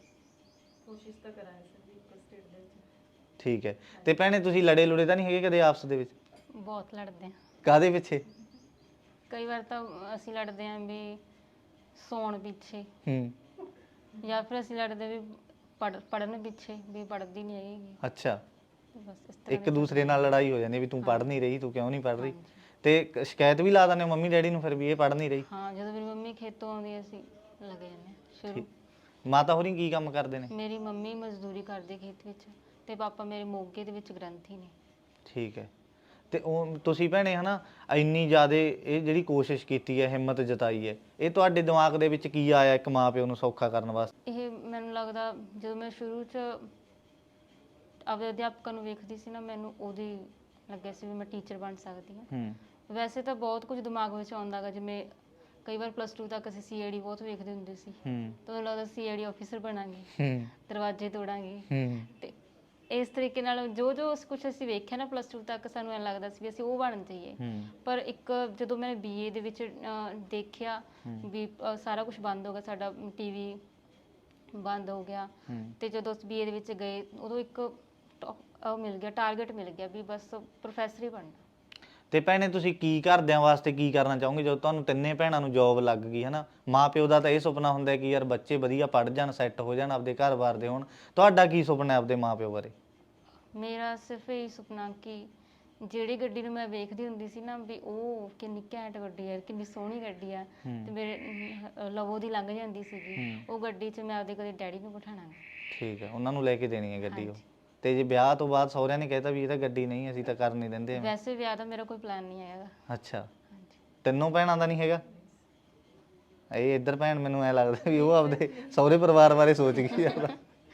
Speaker 5: ਕੋਸ਼ਿਸ਼ ਤਾਂ ਕਰਾਂਗੇ ਸਰ ਜੀ ਇੱਕੋ ਸਟੇਟ ਦੇ ਵਿੱਚ।
Speaker 2: ਠੀਕ ਹੈ। ਤੇ ਭੈਣੇ ਤੁਸੀਂ ਲੜੇ ਲੁੜੇ ਤਾਂ ਨਹੀਂ ਹੈਗੇ ਕਦੇ ਆਪਸ ਦੇ ਵਿੱਚ?
Speaker 3: ਬਹੁਤ ਲੜਦੇ ਆ।
Speaker 2: ਕਾਹਦੇ ਪਿੱਛੇ?
Speaker 3: ਕਈ ਵਾਰ ਤਾਂ ਅਸੀਂ ਲੜਦੇ ਆਂ ਵੀ ਸੌਣ ਪਿੱਛੇ,
Speaker 2: ਹੂੰ।
Speaker 3: ਜਾਂ ਫਿਰ ਅਸੀਂ ਲੜਦੇ ਵੀ ਪੜ੍ਹ ਪੜ੍ਹਨ ਪਿੱਛੇ, ਵੀ ਪੜ੍ਹਦੀ ਨਹੀਂ ਹੈਗੀ।
Speaker 2: ਅੱਛਾ।
Speaker 3: ਬਸ ਇਸ ਤਰ੍ਹਾਂ
Speaker 2: ਇੱਕ ਦੂਸਰੇ ਨਾਲ ਲੜਾਈ ਹੋ ਜਾਂਦੀ ਵੀ ਤੂੰ ਪੜ੍ਹ ਨਹੀਂ ਰਹੀ, ਤੂੰ ਕਿਉਂ ਨਹੀਂ ਪੜ੍ਹ ਰਹੀ? ਤੇ ਕ- ਸ਼ਿਕਾਇਤ ਵੀ ਲਾ ਦਿੰਦੇ ਹੋ ਮੰਮੀ ਡੈਡੀ ਨੂੰ ਫਿਰ ਵੀ ਇਹ ਪੜ੍ਹ ਨਹੀਂ ਰਹੀ?
Speaker 3: ਹਾਂ, ਜਦੋਂ ਮੇਰੀ ਮੰਮੀ ਖੇਤੋਂ ਆਉਂਦੀ ਅਸੀਂ ਲੱਗੇ ਜਾਂਦੇ ਹਾਂ ਸ਼ੁਰੂ।
Speaker 2: ਮਾਤਾ ਹੋਰੀ ਕੀ ਕੰਮ ਕਰਦੇ ਨੇ?
Speaker 3: ਮੇਰੀ ਮੰਮੀ ਮਜ਼ਦੂਰੀ ਕਰਦੀ ਖੇਤ ਵਿੱਚ, ਤੇ ਪਾਪਾ ਮੇਰੇ ਮੋਗੇ ਦੇ ਵਿੱਚ ਗ੍ਰੰਥੀ ਨੇ।
Speaker 2: ਠੀਕ ਹੈ। ਤੇ ਉਹ ਤੁਸੀਂ ਭੈਣੇ ਹਨਾ ਇੰਨੀ ਜ਼ਿਆਦਾ ਇਹ ਜਿਹੜੀ ਕੋਸ਼ਿਸ਼ ਕੀਤੀ ਹੈ, ਹਿੰਮਤ ਜਤਾਈ ਹੈ, ਇਹ ਤੁਹਾਡੇ ਦਿਮਾਗ ਦੇ ਵਿੱਚ ਕੀ ਆਇਆ ਇੱਕ ਮਾਂ ਪਿਓ ਨੂੰ ਸੌਖਾ ਕਰਨ ਵਾਸਤੇ?
Speaker 3: ਇਹ ਮੈਨੂੰ ਲੱਗਦਾ ਜਦੋਂ ਮੈਂ ਸ਼ੁਰੂ 'ਚ ਆਪਣੇ ਅਧਿਆਪਕਾਂ ਨੂੰ ਵੇਖਦੀ ਸੀ ਨਾ, ਮੈਨੂੰ ਉਹਦੀ ਲੱਗਿਆ ਸੀ ਵੀ ਮੈਂ ਟੀਚਰ ਬਣ ਸਕਦੀ ਹਾਂ।
Speaker 2: ਹੂੰ।
Speaker 3: ਵੈਸੇ ਤਾਂ ਬਹੁਤ ਕੁਝ ਦਿਮਾਗ ਵਿੱਚ ਆਉਂਦਾ ਗਾ, ਜਿਵੇਂ ਕਈ ਵਾਰ ਪਲੱਸ ਟੂ ਤੱਕ ਅਸੀਂ ਸੀ ਆਈ ਡੀ ਬਹੁਤ ਵੇਖਦੇ ਹੁੰਦੇ ਸੀ,
Speaker 2: ਹੂੰ।
Speaker 3: ਤਾਂ ਮੈਨੂੰ ਲੱਗਦਾ ਸੀ ਆਈ ਡੀ ਆਫੀਸਰ ਬਣਾਂਗੇ,
Speaker 2: ਹੂੰ।
Speaker 3: ਦਰਵਾਜ਼ੇ ਤੋੜਾਂਗੇ।
Speaker 2: ਹੂੰ।
Speaker 3: ਤੇ ਇਸ ਤਰੀਕੇ ਨਾਲ ਜੋ ਜੋ ਕੁਝ ਅਸੀਂ ਵੇਖਿਆ ਨਾ ਪਲੱਸ ਟੂ ਤੱਕ, ਸਾਨੂੰ ਐਂ ਲੱਗਦਾ ਸੀ ਵੀ ਅਸੀਂ ਉਹ ਬਣ ਜਾਈਏ।
Speaker 2: ਹੂੰ।
Speaker 3: ਪਰ ਇੱਕ ਜਦੋਂ ਮੈਂ ਬੀਏ ਦੇ ਵਿੱਚ ਅਹ, ਦੇਖਿਆ ਵੀ ਅਹ, ਸਾਰਾ ਕੁਝ ਬੰਦ ਹੋ ਗਿਆ, ਸਾਡਾ ਟੀਵੀ ਬੰਦ ਹੋ ਗਿਆ, ਤੇ ਜਦੋਂ ਅਸੀਂ ਬੀਏ ਦੇ ਵਿੱਚ ਗਏ ਉਦੋਂ ਇੱਕ ਟੌ- ਉਹ ਮਿਲ ਗਿਆ, ਟਾਰਗੇਟ ਮਿਲ ਗਿਆ ਵੀ ਬਸ ਪ੍ਰੋਫੈਸਰ ਹੀ ਬਣਨਾ।
Speaker 2: ਤੇ ਭੈਣੇ ਤੁਸੀਂ ਕੀ ਘਰਦਿਆਂ ਵਾਸਤੇ ਕੀ ਕਰਨਾ ਚਾਹੋਗੇ ਜਦੋਂ ਤੁਹਾਨੂੰ ਤਿੰਨੇ ਭੈਣਾਂ ਨੂੰ ਜੌਬ ਲੱਗ ਗਈ ਹਨਾ? ਮਾਂ ਪਿਓ ਦਾ ਤਾਂ ਇਹ ਸੁਪਨਾ ਹੁੰਦਾ ਕਿ ਯਾਰ ਬੱਚੇ ਵਧੀਆ ਪੜ੍ਹ ਜਾਣ, ਸੈੱਟ ਹੋ ਜਾਣ, ਆਪਦੇ ਘਰ-ਬਾਰ ਦੇ ਹੋਣ। ਤੁਹਾਡਾ ਕੀ ਸੁਪਨਾ ਹੈ ਆਪਦੇ ਮਾਂ ਪਿਓ ਬਾਰੇ?
Speaker 3: ਮੇਰਾ ਸਿਰਫ ਇਹ ਸੁਪਨਾ ਕਿ ਜਿਹੜੀ ਗੱਡੀ ਨੂੰ ਮੈਂ ਵੇਖਦੀ ਹੁੰਦੀ ਸੀ ਨਾ ਵੀ ਉਹ ਕਿੰਨੀ ਘੈਂਟ ਗੱਡੀ ਹੈ, ਕਿੰਨੀ ਸੋਹਣੀ ਗੱਡੀ ਆ, ਤੇ ਮੇਰੇ ਅਮ, ਲਵੋ ਦੀ ਲੰਘ ਜਾਂਦੀ ਸੀਗੀ, ਉਹ ਗੱਡੀ 'ਚ ਮੈਂ ਆਪਦੇ ਕਦੇ ਡੈਡੀ ਨੂੰ ਬਿਠਾਣਾ।
Speaker 2: ਠੀਕ ਹੈ, ਉਹਨਾਂ ਨੂੰ ਲੈ ਕੇ ਦੇਣੀ ਹੈ ਗੱਡੀ ਉਹ। ਤੇ ਜੇ ਵਿਆਹ ਤੋਂ ਬਾਅਦ ਸਹੁਰਿਆਂ ਨੇ ਕਹਿਤਾ ਵੀ ਇਹ ਤਾਂ ਗੱਡੀ ਨਹੀਂ, ਅਸੀਂ ਤਾਂ ਕਰ ਨਹੀਂ ਦਿੰਦੇ?
Speaker 3: ਵੈਸੇ ਵਿਆਹ ਦਾ ਮੇਰਾ ਕੋਈ ਪਲਾਨ ਨਹੀਂ ਹੈਗਾ।
Speaker 2: ਅੱਛਾ। ਤਿੰਨੋਂ ਭੈਣਾਂ ਦਾ ਨਹੀਂ ਹੈਗਾ? ਇਹ ਇੱਧਰ ਭੈਣ ਮੈਨੂੰ ਐ ਲੱਗਦਾ ਵੀ ਉਹ ਆਪਦੇ ਸਹੁਰੇ ਪਰਿਵਾਰ ਬਾਰੇ ਸੋਚ ਗਈ ਜ਼ਿਆਦਾ।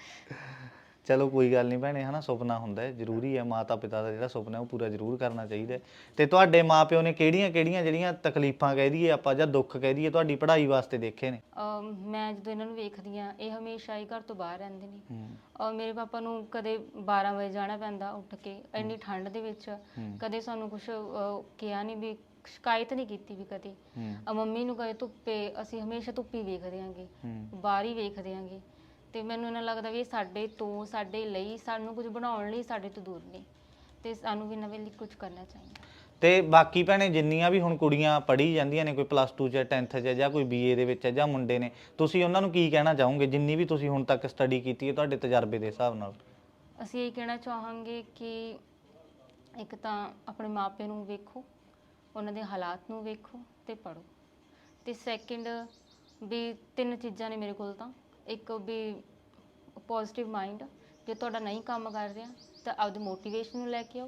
Speaker 2: ਚਲੋ ਕੋਈ ਗੱਲ ਨਹੀਂ ਭੈਣੇ, ਹਨਾ ਸੁਪਨਾ ਹੁੰਦਾ ਹੈ, ਜ਼ਰੂਰੀ ਹੈ ਮਾਤਾ ਪਿਤਾ ਦਾ ਜਿਹੜਾ ਸੁਪਨਾ ਉਹ ਪੂਰਾ ਜ਼ਰੂਰ ਕਰਨਾ ਚਾਹੀਦਾ ਹੈ। ਤੇ ਤੁਹਾਡੇ ਮਾਪਿਓ ਨੇ ਕਿਹੜੀਆਂ ਕਿਹੜੀਆਂ ਜਿਹੜੀਆਂ ਤਕਲੀਫਾਂ ਕਹਿ ਦਈਏ ਆਪਾਂ ਜਾਂ ਦੁੱਖ ਕਹਿ ਦਈਏ ਤੁਹਾਡੀ ਪੜ੍ਹਾਈ ਵਾਸਤੇ ਦੇਖੇ ਨੇ?
Speaker 3: ਅਮ, ਮੈਂ ਜਦੋਂ ਇਹਨਾਂ ਨੂੰ ਵੇਖਦੀ ਹਾਂ, ਇਹ ਹਮੇਸ਼ਾ ਹੀ ਘਰ ਤੋਂ ਬਾਹਰ ਰਹਿੰਦੇ ਨੇ। ਔਰ ਮੇਰੇ ਪਾਪਾ ਨੂੰ ਕਦੇ ਬਾਰਾਂ ਵਜੇ ਜਾਣਾ ਪੈਂਦਾ ਉੱਠ ਕੇ ਇੰਨੀ ਠੰਡ ਦੇ ਵਿੱਚ, ਕਦੇ ਸਾਨੂੰ ਕੁਝ ਕਿਹਾ ਨਹੀਂ ਵੀ ਸ਼ਿਕਾਇਤ ਨਹੀਂ ਕੀਤੀ ਵੀ ਕਦੇ। ਅ ਮੰਮੀ ਨੂੰ ਕਦੇ ਧੁੱਪੇ, ਅਸੀਂ ਹਮੇਸ਼ਾ ਧੁੱਪੀ ਵੇਖਦੇ ਆਂਗੇ, ਬਾਹਰ ਹੀ ਵੇਖਦੇ ਆਂਗੇ। ਤੇ ਮੈਨੂੰ ਇਹਨਾਂ ਲੱਗਦਾ ਵੀ ਇਹ ਸਾਡੇ ਤੋਂ, ਸਾਡੇ ਲਈ, ਸਾਨੂੰ ਕੁਝ ਬਣਾਉਣ ਲਈ ਸਾਡੇ ਤੋਂ ਦੂਰ ਨੇ, ਤੇ ਸਾਨੂੰ ਵੀ ਨਵੇਂ ਲਈ ਕੁਝ ਕਰਨਾ ਚਾਹੀਦਾ।
Speaker 2: ਤੇ ਬਾਕੀ ਭੈਣੇ ਜਿੰਨੀਆਂ ਵੀ ਹੁਣ ਕੁੜੀਆਂ ਪੜ੍ਹੀ ਜਾਂਦੀਆਂ ਨੇ, ਕੋਈ ਪਲੱਸ ਟੂ 'ਚ, ਟੈਂਥ 'ਚ ਜਾਂ ਕੋਈ ਬੀਏ ਦੇ ਵਿੱਚ ਜਾਂ ਮੁੰਡੇ ਨੇ, ਤੁਸੀਂ ਉਹਨਾਂ ਨੂੰ ਕੀ ਕਹਿਣਾ ਚਾਹੋਗੇ ਜਿੰਨੀ ਵੀ ਤੁਸੀਂ ਹੁਣ ਤੱਕ ਸਟੱਡੀ ਕੀਤੀ ਹੈ ਤੁਹਾਡੇ ਤਜਰਬੇ ਦੇ ਹਿਸਾਬ ਨਾਲ?
Speaker 3: ਅਸੀਂ ਇਹ ਕਹਿਣਾ ਚਾਹਾਂਗੇ ਕਿ ਇੱਕ ਤਾਂ ਆਪਣੇ ਮਾਪੇ ਨੂੰ ਵੇਖੋ, ਉਹਨਾਂ ਦੇ ਹਾਲਾਤ ਨੂੰ ਵੇਖੋ ਤੇ ਪੜ੍ਹੋ। ਤੇ ਸੈਕਿੰਡ ਵੀ ਤਿੰਨ ਚੀਜ਼ਾਂ ਨੇ ਮੇਰੇ ਕੋਲ ਤਾਂ, ਇੱਕ ਵੀ ਪੋਜ਼ਿਟਿਵ ਮਾਈਂਡ, ਜੇ ਤੁਹਾਡਾ ਨਹੀਂ ਕੰਮ ਕਰ ਰਿਹਾ ਤਾਂ ਆਪਦੀ ਮੋਟੀਵੇਸ਼ਨ ਨੂੰ ਲੈ ਕੇ ਆਓ।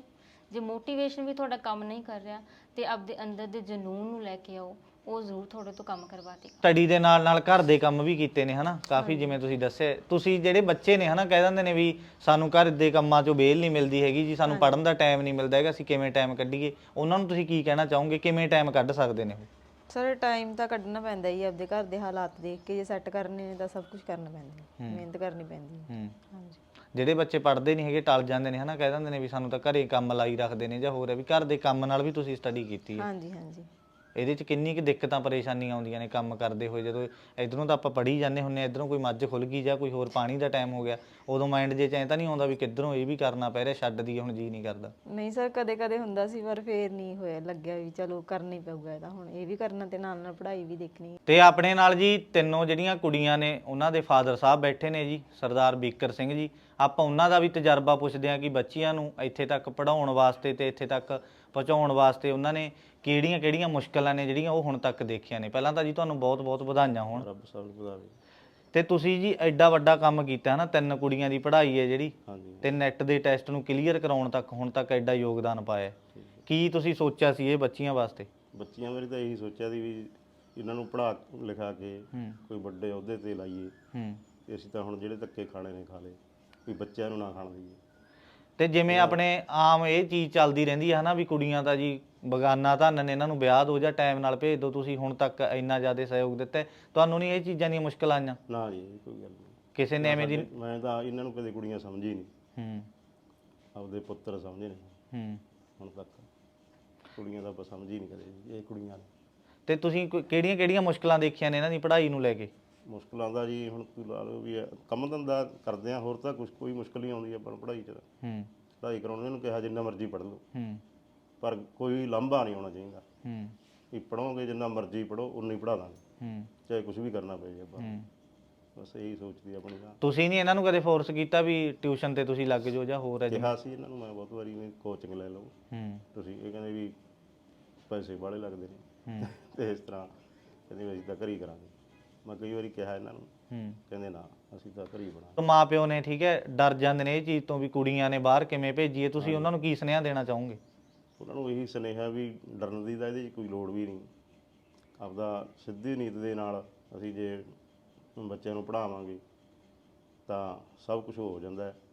Speaker 3: ਜੇ ਮੋਟੀਵੇਸ਼ਨ ਵੀ ਤੁਹਾਡਾ ਕੰਮ ਨਹੀਂ ਕਰ ਰਿਹਾ ਤੇ ਆਪਦੇ ਅੰਦਰ ਦੇ ਜਨੂਨ ਨੂੰ ਲੈ ਕੇ ਆਓ, ਉਹ ਜ਼ਰੂਰ ਤੁਹਾਡੇ ਤੋਂ ਕੰਮ ਕਰਵਾ ਦੇਗਾ।
Speaker 2: ਸਟੱਡੀ ਦੇ ਨਾਲ ਨਾਲ ਘਰ ਦੇ ਕੰਮ ਵੀ ਕੀਤੇ ਨੇ ਹਨਾ ਕਾਫੀ, ਜਿਵੇਂ ਤੁਸੀਂ ਦੱਸਿਆ। ਤੁਸੀਂ ਜਿਹੜੇ ਬੱਚੇ ਨੇ ਹਨਾ ਕਹਿ ਦਿੰਦੇ ਨੇ ਵੀ ਸਾਨੂੰ ਘਰ ਦੇ ਕੰਮਾਂ 'ਚੋਂ ਵੇਲ ਨਹੀਂ ਮਿਲਦੀ ਹੈਗੀ ਜੀ, ਸਾਨੂੰ ਪੜ੍ਹਨ ਦਾ ਟਾਈਮ ਨਹੀਂ ਮਿਲਦਾ ਹੈਗਾ, ਅਸੀਂ ਕਿਵੇਂ ਟਾਈਮ ਕੱਢੀਏ, ਉਹਨਾਂ ਨੂੰ ਤੁਸੀਂ ਕੀ ਕਹਿਣਾ ਚਾਹੋਗੇ, ਕਿਵੇਂ ਟਾਈਮ ਕੱਢ ਸਕਦੇ ਨੇ ਉਹ?
Speaker 1: ਸਰ ਟਾਈਮ ਤਾਂ ਕੱਢਣਾ ਪੈਂਦਾ ਹੀ ਆਪਦੇ ਘਰ ਦੇ ਹਾਲਾਤ ਦੇਖ ਕੇ, ਜੇ ਸੈੱਟ ਕਰਨੇ ਨੇ ਤਾਂ ਸਭ ਕੁਝ ਕਰਨਾ ਪੈਂਦਾ ਹੈ, ਮਿਹਨਤ ਕਰਨੀ ਪੈਂਦੀ ਹੈ।
Speaker 2: ਹੂੰ।
Speaker 1: ਹਾਂਜੀ।
Speaker 2: ਜਿਹੜੇ ਬੱਚੇ ਪੜ੍ਹਦੇ ਨਹੀਂ ਹੈਗੇ ਟਲ ਜਾਂਦੇ ਨੇ ਹਨਾ, ਕਹਿ ਦਿੰਦੇ ਨੇ ਵੀ ਸਾਨੂੰ ਤਾਂ ਘਰੇ ਕੰਮ ਲਾਈ ਰੱਖਦੇ ਨੇ ਜਾਂ ਹੋਰ ਹੈ, ਵੀ ਘਰ ਦੇ ਕੰਮ ਨਾਲ ਵੀ ਤੁਸੀਂ ਸਟੱਡੀ ਕੀਤੀ ਹੈ।
Speaker 1: ਹਾਂਜੀ ਹਾਂਜੀ।
Speaker 2: ਇਹਦੇ 'ਚ ਕਿੰਨੀ ਕੁ ਦਿੱਕਤਾਂ ਪਰੇਸ਼ਾਨੀਆਂ ਆਉਂਦੀਆਂ ਨੇ ਕੰਮ ਕਰਦੇ ਹੋਏ? ਜਦੋਂ ਇਧਰੋਂ ਤਾਂ ਆਪਾਂ ਪੜ੍ਹੀ ਜਾਂਦੇ ਹੁੰਦੇ, ਇਧਰੋਂ ਕੋਈ ਮੱਝ ਖੁੱਲ ਗਈ ਜਾਂ ਕੋਈ ਹੋਰ ਪਾਣੀ ਦਾ ਟਾਈਮ ਹੋ ਗਿਆ, ਉਦੋਂ ਮਾਈਂਡ ਜੇ 'ਚ ਐਂ ਤਾਂ ਨਹੀਂ ਆਉਂਦਾ ਵੀ ਕਿੱਧਰੋਂ ਇਹ ਵੀ ਕਰਨਾ ਪੈ ਰਿਹਾ, ਛੱਡ ਦਈਏ ਹੁਣ, ਜੀ ਨਹੀਂ ਕਰਦਾ?
Speaker 1: ਨਹੀਂ ਸਰ, ਕਦੇ ਕਦੇ ਹੁੰਦਾ ਸੀ, ਪਰ ਫੇਰ ਨਹੀਂ ਹੋਇਆ, ਲੱਗਿਆ ਵੀ ਚਲੋ ਕਰਨਾ ਹੀ ਪਊਗਾ ਇਹਦਾ, ਹੁਣ ਇਹ ਵੀ ਕਰਨਾ ਤੇ ਨਾਲ ਨਾਲ ਪੜ੍ਹਾਈ ਵੀ ਦੇਖਣੀ।
Speaker 2: ਤੇ ਆਪਣੇ ਨਾਲ ਜੀ ਤਿੰਨੋਂ ਜਿਹੜੀਆਂ ਕੁੜੀਆਂ ਨੇ ਉਹਨਾਂ ਦੇ ਫਾਦਰ ਸਾਹਿਬ ਬੈਠੇ ਨੇ ਜੀ, ਸਰਦਾਰ ਬੀਕਰ ਸਿੰਘ ਜੀ। ਆਪਾਂ ਉਹਨਾਂ ਦਾ ਵੀ ਤਜਰਬਾ ਪੁੱਛਦੇ ਹਾਂ ਕਿ ਬੱਚੀਆਂ ਨੂੰ ਇੱਥੇ ਤੱਕ ਪੜ੍ਹਾਉਣ ਵਾਸਤੇ ਤੇ ਇੱਥੇ ਤੱਕ ਪਹੁੰਚਾਉਣ ਵਾਸਤੇ ਉਹਨਾਂ ਨੇ ਕਿਹੜੀਆਂ ਕਿਹੜੀਆਂ ਮੁਸ਼ਕਲਾਂ ਨੇ ਜਿਹੜੀਆਂ ਉਹ ਹੁਣ ਤੱਕ ਦੇਖੀਆਂ ਨੇ। ਪਹਿਲਾਂ ਤਾਂ ਜੀ ਤੁਹਾਨੂੰ ਬਹੁਤ ਬਹੁਤ ਵਧਾਈਆਂ ਹੋਣ।
Speaker 4: ਰੱਬ ਸਭ ਨੂੰ ਵਧਾਵੇ।
Speaker 2: ਤੇ ਤੁਸੀਂ ਜੀ ਐਡਾ ਵੱਡਾ ਕੰਮ ਕੀਤਾ ਨਾ, ਤਿੰਨ ਕੁੜੀਆਂ ਦੀ ਪੜ੍ਹਾਈ ਹੈ ਜਿਹੜੀ,
Speaker 4: ਹਾਂਜੀ।
Speaker 2: ਤੇ ਨੈਟ ਦੇ ਟੈਸਟ ਨੂੰ ਕਲੀਅਰ ਕਰਾਉਣ ਤੱਕ ਹੁਣ ਤੱਕ ਐਡਾ ਯੋਗਦਾਨ ਪਾਇਆ, ਕੀ ਤੁਸੀਂ ਸੋਚਿਆ ਸੀ ਇਹ ਬੱਚੀਆਂ ਵਾਸਤੇ?
Speaker 4: ਬੱਚੀਆਂ ਬਾਰੇ ਤਾਂ ਇਹੀ ਸੋਚਿਆ ਸੀ ਵੀ ਇਹਨਾਂ ਨੂੰ ਪੜ੍ਹਾ ਲਿਖਾ ਕੇ
Speaker 2: ਹੂੰ
Speaker 4: ਕੋਈ ਵੱਡੇ ਅਹੁਦੇ ਤੇ ਲਾਈਏ,
Speaker 2: ਹੂੰ
Speaker 4: ਤੇ ਅਸੀਂ ਤਾਂ ਹੁਣ ਜਿਹੜੇ ਧੱਕੇ ਖਾਣੇ ਨੇ ਖਾ ਲਏ, ਵੀ ਬੱਚਿਆਂ ਨੂੰ ਨਾ ਖਾਣ ਦਈਏ।
Speaker 2: ਤੇ ਜਿਵੇਂ ਆਪਣੇ ਆਮ ਇਹ ਚੀਜ਼ ਚੱਲਦੀ ਰਹਿੰਦੀ ਹੈ ਹਨਾ ਵੀ ਕੁੜੀਆਂ ਤਾਂ ਜੀ ਬਗਾਨਾ ਧਨ ਨੇ, ਇਹਨਾਂ ਨੂੰ ਵਿਆਹ ਦਿਓ ਜਾਂ ਟਾਈਮ ਨਾਲ ਭੇਜ ਦਿਓ, ਤੁਸੀਂ ਹੁਣ ਤੱਕ ਇੰਨਾ ਜ਼ਿਆਦਾ ਸਹਿਯੋਗ ਦਿੱਤਾ, ਤੁਹਾਨੂੰ ਨਹੀਂ ਇਹ ਚੀਜ਼ਾਂ ਦੀਆਂ ਮੁਸ਼ਕਲਾਂ ਆਈਆਂ?
Speaker 4: ਨਾ ਜੀ, ਇਹ ਕੋਈ ਗੱਲ ਨਹੀਂ।
Speaker 2: ਕਿਸੇ ਨੇ ਐਵੇਂ ਦੀ?
Speaker 4: ਮੈਂ ਤਾਂ ਇਹਨਾਂ ਨੂੰ ਕਦੇ ਕੁੜੀਆਂ ਸਮਝੀ ਨਹੀਂ,
Speaker 2: ਹੂੰ
Speaker 4: ਆਪਦੇ ਪੁੱਤਰ ਸਮਝੇ ਨੇ
Speaker 2: ਹੂੰ
Speaker 4: ਹੁਣ ਤੱਕ। ਕੁੜੀਆਂ ਦਾ ਆਪਾਂ ਸਮਝੀ ਨਹੀਂ ਕਦੇ, ਇਹ ਕੁੜੀਆਂ ਨੇ।
Speaker 2: ਤੇ ਤੁਸੀਂ ਕਿਹੜੀਆਂ ਕਿਹੜੀਆਂ ਮੁਸ਼ਕਲਾਂ ਦੇਖੀਆਂ ਨੇ ਇਹਨਾਂ ਦੀ ਪੜ੍ਹਾਈ ਨੂੰ ਲੈ ਕੇ?
Speaker 4: ਮੁਸ਼ਕਲਾਂ ਦਾ ਜੀ ਹੁਣ ਤੁਸੀਂ ਲਾ ਲਓ ਵੀ ਕੰਮ ਧੰਦਾ ਕਰਦੇ ਆ, ਹੋਰ ਤਾਂ ਕੁਛ ਕੋਈ ਮੁਸ਼ਕਲ ਨਹੀਂ ਆਉਂਦੀ ਆਪਾਂ ਨੂੰ ਪੜ੍ਹਾਈ 'ਚ।
Speaker 2: ਹੂੰ
Speaker 4: ਪੜ੍ਹਾਈ ਕਰਾਉਣ ਨੂੰ ਕਿਹਾ ਜਿੰਨਾ ਮਰਜ਼ੀ ਪੜ੍ਹ ਲਓ,
Speaker 2: ਹੂੰ
Speaker 4: ਪਰ ਕੋਈ ਲਾਂਭਾ ਨਹੀਂ ਆਉਣਾ ਚਾਹੀਦਾ।
Speaker 2: ਹੂੰ
Speaker 4: ਵੀ ਪੜ੍ਹੋਗੇ ਜਿੰਨਾ ਮਰਜ਼ੀ ਪੜ੍ਹੋ, ਉਨਾ ਹੀ ਪੜ੍ਹਾ ਦਾਂਗੇ,
Speaker 2: ਹੂੰ
Speaker 4: ਚਾਹੇ ਕੁਝ ਵੀ ਕਰਨਾ ਪਏ ਆਪਾਂ।
Speaker 2: ਹੂੰ
Speaker 4: ਬਸ ਇਹੀ ਸੋਚਦੀ ਆਪਣੀ ਤਾਂ।
Speaker 2: ਤੁਸੀਂ ਨਹੀਂ ਇਹਨਾਂ ਨੂੰ ਕਦੇ ਫੋਰਸ ਕੀਤਾ ਵੀ ਟਿਊਸ਼ਨ ਤੇ ਤੁਸੀਂ ਲੱਗ ਜਾਓ ਜਾਂ ਹੋਰ ਹੈ ਜੀ?
Speaker 4: ਕਿਹਾ ਸੀ ਇਹਨਾਂ ਨੂੰ ਮੈਂ ਬਹੁਤ ਵਾਰੀ ਵੀ ਕੋਚਿੰਗ ਲੈ ਲਓ
Speaker 2: ਹੂੰ
Speaker 4: ਤੁਸੀਂ, ਇਹ ਕਹਿੰਦੇ ਵੀ ਪੈਸੇ ਬਾਹਲੇ ਲੱਗਦੇ ਨੇ
Speaker 2: ਹੂੰ
Speaker 4: ਤੇ ਇਸ ਤਰ੍ਹਾਂ ਕਹਿੰਦੇ ਵੀ ਅਸੀਂ ਤਾਂ ਘਰ ਹੀ ਕਰਾਂਗੇ। ਮੈਂ ਕਈ ਵਾਰੀ ਕਿਹਾ ਇਹਨਾਂ ਨੂੰ,
Speaker 2: ਹੂੰ
Speaker 4: ਕਹਿੰਦੇ ਨਾ ਅਸੀਂ ਤਾਂ ਘਰ ਹੀ ਬਣਾ।
Speaker 2: ਮਾਂ ਪਿਓ ਨੇ ਠੀਕ ਹੈ ਡਰ ਜਾਂਦੇ ਨੇ ਇਹ ਚੀਜ਼ ਤੋਂ ਵੀ ਕੁੜੀਆਂ ਨੇ ਬਾਹਰ ਕਿਵੇਂ ਭੇਜੀਏ, ਤੁਸੀਂ ਉਹਨਾਂ ਨੂੰ ਕੀ ਸੁਨੇਹਾ ਦੇਣਾ ਚਾਹੋਗੇ?
Speaker 4: ਉਹਨਾਂ ਨੂੰ ਇਹੀ ਸੁਨੇਹਾ ਵੀ ਡਰਨ ਦੀ ਤਾਂ ਇਹਦੇ 'ਚ ਕੋਈ ਲੋੜ ਵੀ ਨਹੀਂ। ਆਪਦਾ ਸਿੱਧੀ ਨੀਤ ਦੇ ਨਾਲ ਅਸੀਂ ਜੇ ਬੱਚਿਆਂ ਨੂੰ ਪੜ੍ਹਾਵਾਂਗੇ ਤਾਂ ਸਭ ਕੁਝ ਹੋ ਜਾਂਦਾ ਹੈ।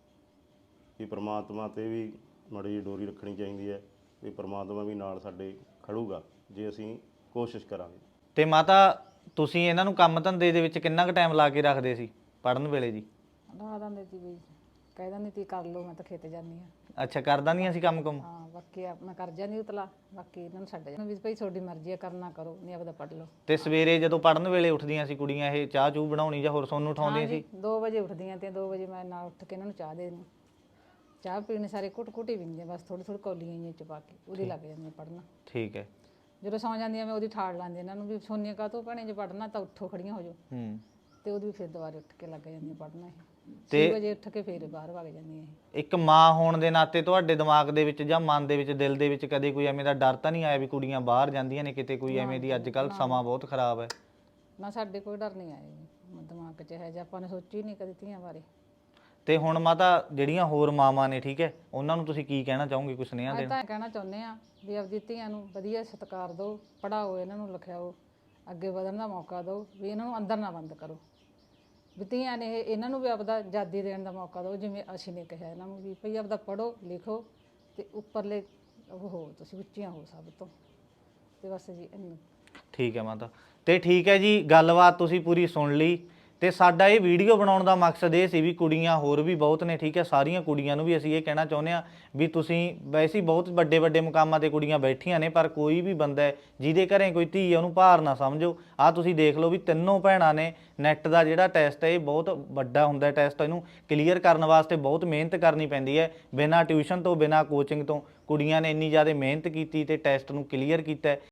Speaker 4: ਕਿ ਪ੍ਰਮਾਤਮਾ 'ਤੇ ਵੀ ਮਾੜੀ ਜਿਹੀ ਡੋਰੀ ਰੱਖਣੀ ਚਾਹੀਦੀ ਹੈ, ਵੀ ਪ੍ਰਮਾਤਮਾ ਵੀ ਨਾਲ ਸਾਡੇ ਖੜੂਗਾ ਜੇ ਅਸੀਂ ਕੋਸ਼ਿਸ਼ ਕਰਾਂਗੇ।
Speaker 2: ਤੇ ਮਾਤਾ ਤੁਸੀਂ ਇਹਨਾਂ ਨੂੰ ਕੰਮ ਧੰਦੇ ਦੇ ਵਿੱਚ ਕਿੰਨਾ ਕੁ ਟਾਈਮ ਲਾ ਕੇ ਰੱਖਦੇ ਸੀ ਪੜ੍ਹਨ ਵੇਲੇ ਜੀ?
Speaker 5: ਲਾ ਦਿੰਦੇ ਸੀ ਵੀ, ਕਹਿ ਦਿੰਦੀ ਤੀ ਕਰ ਲਓ, ਮੈਂ ਤਾਂ ਖੇਤ ਜਾਂਦੀ ਹਾਂ।
Speaker 2: ਅੱਛਾ, ਕਰਦਾ ਨਹੀਂ ਅਸੀਂ ਕੰਮ ਕੁਮ?
Speaker 5: ਹਾਂ, ਬਾਕੀ ਆ- ਮੈਂ ਕਰ ਜਾਂਦੀ ਉਤਲਾ, ਬਾਕੀ ਇਹਨਾਂ ਨੂੰ ਛੱਡ ਜਾਂਦੀ ਵੀ ਭਾਈ ਤੁਹਾਡੀ ਮਰਜ਼ੀ ਆ, ਕਰਨਾ ਕਰੋ, ਨਹੀਂ ਆਪਦਾ ਪੜ੍ਹ ਲਓ।
Speaker 2: ਤੇ ਸਵੇਰੇ ਜਦੋਂ ਪੜ੍ਹਨ ਵੇਲੇ ਉੱਠਦੀਆਂ ਸੀ ਕੁੜੀਆਂ, ਇਹ ਚਾਹ ਚੂਹ ਬਣਾਉਣੀ ਜਾਂ ਹੋਰ ਸੋਨੂੰ ਉਠਾਉਂਦੀਆਂ ਸੀ?
Speaker 5: ਦੋ ਵਜੇ ਉੱਠਦੀਆਂ ਤੇ ਦੋ ਵਜੇ ਮੈਂ ਨਾਲ ਉੱਠ ਕੇ ਇਹਨਾਂ ਨੂੰ ਚਾਹ ਦੇ ਦਿੰਦੀ, ਚਾਹ ਪੀਣੀ ਸਾਰੇ ਕੁੱਟ ਕੁੱਟੀ ਪੀਂਦੀਆਂ, ਬਸ ਥੋੜੀ ਥੋੜੀ ਕੌਲੀਆਂ ਜਿਹੀਆਂ ਚ ਪਾ ਕੇ ਉਹਦੀ ਲੱਗ ਜਾਂਦੀਆਂ ਪੜ੍ਹਨਾ।
Speaker 2: ਠੀਕ ਹੈ।
Speaker 5: ਜਦੋਂ ਸੌਂ ਜਾਂਦੀਆਂ ਮੈਂ ਉਹਦੀ ਠਾੜ ਲਾਂਦੀ ਇਹਨਾਂ ਨੂੰ ਵੀ ਸੋਨੀਆਂ ਕਾਹਤੋਂ ਭੈਣੇ ਜੇ ਪੜ੍ਹਨਾ ਤਾਂ ਉੱਠੋ, ਖੜੀਆਂ ਹੋ ਜਾਓ,
Speaker 2: ਹੂੰ
Speaker 5: ਤੇ ਉਹਦੀ ਫਿਰ ਦੁਬਾਰੇ ਉੱਠ ਕੇ ਲੱਗ ਜਾਂਦੀਆਂ ਪੜ੍ਹਨਾ। ਇਹ
Speaker 2: ਤੇ
Speaker 5: ਛੇ ਵਜੇ ਉੱਠ ਕੇ ਫਿਰ ਬਾਹਰ ਵਗ ਜਾਂਦੀਆਂ ਇਹ।
Speaker 2: ਇੱਕ ਮਾਂ ਹੋਣ ਦੇ ਨਾਤੇ ਤੁਹਾਡੇ ਦਿਮਾਗ ਦੇ ਵਿੱਚ ਜਾਂ ਮਨ ਦੇ ਵਿੱਚ, ਦਿਲ ਦੇ ਵਿੱਚ ਕਦੇ ਕੋਈ ਐਵੇਂ ਦਾ ਡਰ ਤਾਂ ਨਹੀਂ ਆਇਆ ਵੀ ਕੁੜੀਆਂ ਬਾਹਰ ਜਾਂਦੀਆਂ ਨੇ ਕਿਤੇ, ਕੋਈ ਐਵੇਂ ਦੀ? ਅੱਜ ਕੱਲ੍ਹ ਸਮਾਂ ਬਹੁਤ ਖਰਾਬ ਹੈ।
Speaker 5: ਨਾ, ਸਾਡੇ ਕੋਈ ਡਰ ਨਹੀਂ ਆਇਆ ਜੀ ਦਿਮਾਗ 'ਚ, ਹੈ ਜੇ ਆਪਾਂ ਨੇ ਸੋਚੀ ਨਹੀਂ ਕਦੇ ਧੀਆਂ ਬਾਰੇ।
Speaker 2: ਤੇ ਹੁਣ ਮਾਤਾ ਜਿਹੜੀਆਂ ਹੋਰ ਮਾਵਾਂ ਨੇ ਠੀਕ ਹੈ, ਉਹਨਾਂ ਨੂੰ ਤੁਸੀਂ ਕੀ ਕਹਿਣਾ ਚਾਹੋਗੇ, ਕੋਈ ਸੁਨੇਹਾ
Speaker 5: ਮੈਂ
Speaker 2: ਦੇਣਾ?
Speaker 5: ਤਾਂ ਕਹਿਣਾ ਚਾਹੁੰਦੇ ਆ ਵੀ ਆਪਦੀ ਧੀਆਂ ਨੂੰ ਵਧੀਆ ਸਤਿਕਾਰ ਦਿਓ, ਪੜ੍ਹਾਓ, ਇਹਨਾਂ ਨੂੰ ਲਿਖਾਓ, ਅੱਗੇ ਵਧਣ ਦਾ ਮੌਕਾ ਦਿਓ, ਵੀ ਇਹਨਾਂ ਨੂੰ ਅੰਦਰ ਨਾ ਬੰਦ ਕਰੋ। ਵੀ ਧੀਆਂ ਨੇ ਇਹ- ਇਹਨਾਂ ਨੂੰ ਵੀ ਆਪਦਾ ਆਜ਼ਾਦੀ ਦੇਣ ਦਾ ਮੌਕਾ ਦਿਓ, ਜਿਵੇਂ ਅਸੀਂ ਨੇ ਕਿਹਾ ਇਹਨਾਂ ਨੂੰ ਵੀ ਭਈ ਆਪਦਾ ਪੜ੍ਹੋ ਲਿਖੋ ਤੇ ਉੱਪਰਲੇ ਉਹ ਹੋ, ਤੁਸੀਂ ਉੱਚੀਆਂ ਹੋ ਸਭ ਤੋਂ, ਤੇ ਬਸ ਜੀ ਇੰਨਾ।
Speaker 2: ਠੀਕ ਹੈ ਮਾਤਾ। ਤੇ ਠੀਕ ਹੈ ਜੀ, ਗੱਲਬਾਤ ਤੁਸੀਂ ਪੂਰੀ ਸੁਣ ਲਈ। ਤੇ ਸਾਡਾ ਇਹ ਵੀਡੀਓ ਬਣਾਉਣ ਦਾ ਮਕਸਦ ਇਹ ਸੀ ਵੀ ਕੁੜੀਆਂ ਹੋਰ ਵੀ ਬਹੁਤ ਨੇ ਠੀਕ ਹੈ, ਸਾਰੀਆਂ ਕੁੜੀਆਂ ਨੂੰ ਵੀ ਅਸੀਂ ਇਹ ਕਹਿਣਾ ਚਾਹੁੰਦੇ ਹਾਂ ਵੀ ਤੁਸੀਂ ਵੈਸੇ ਹੀ ਬਹੁਤ ਵੱਡੇ ਵੱਡੇ ਮੁਕਾਮਾਂ ਤੇ ਕੁੜੀਆਂ ਬੈਠੀਆਂ ਨੇ, ਪਰ ਕੋਈ ਵੀ ਬੰਦਾ ਹੈ ਜਿਹਦੇ ਘਰੇ ਕੋਈ ਧੀ ਹੈ ਉਹਨੂੰ ਭਾਰ ਨਾ ਸਮਝੋ। ਆਹ ਤੁਸੀਂ ਦੇਖ ਲਓ ਵੀ ਤਿੰਨੋਂ ਭੈਣਾਂ ਨੇ ਨੈਟ ਦਾ ਜਿਹੜਾ ਟੈਸਟ ਹੈ ਇਹ ਬਹੁਤ ਵੱਡਾ ਹੁੰਦਾ ਟੈਸਟ, ਇਹਨੂੰ ਕਲੀਅਰ ਕਰਨ ਵਾਸਤੇ ਬਹੁਤ ਮਿਹਨਤ ਕਰਨੀ ਪੈਂਦੀ ਹੈ। ਬਿਨਾਂ ਟਿਊਸ਼ਨ ਤੋਂ, ਬਿਨਾਂ ਕੋਚਿੰਗ ਤੋਂ ਕੁੜੀਆਂ ਨੇ ਇੰਨੀ ਜ਼ਿਆਦਾ ਮਿਹਨਤ ਕੀਤੀ ਤੇ ਟੈਸਟ ਨੂੰ ਕਲੀਅਰ ਕੀਤਾ।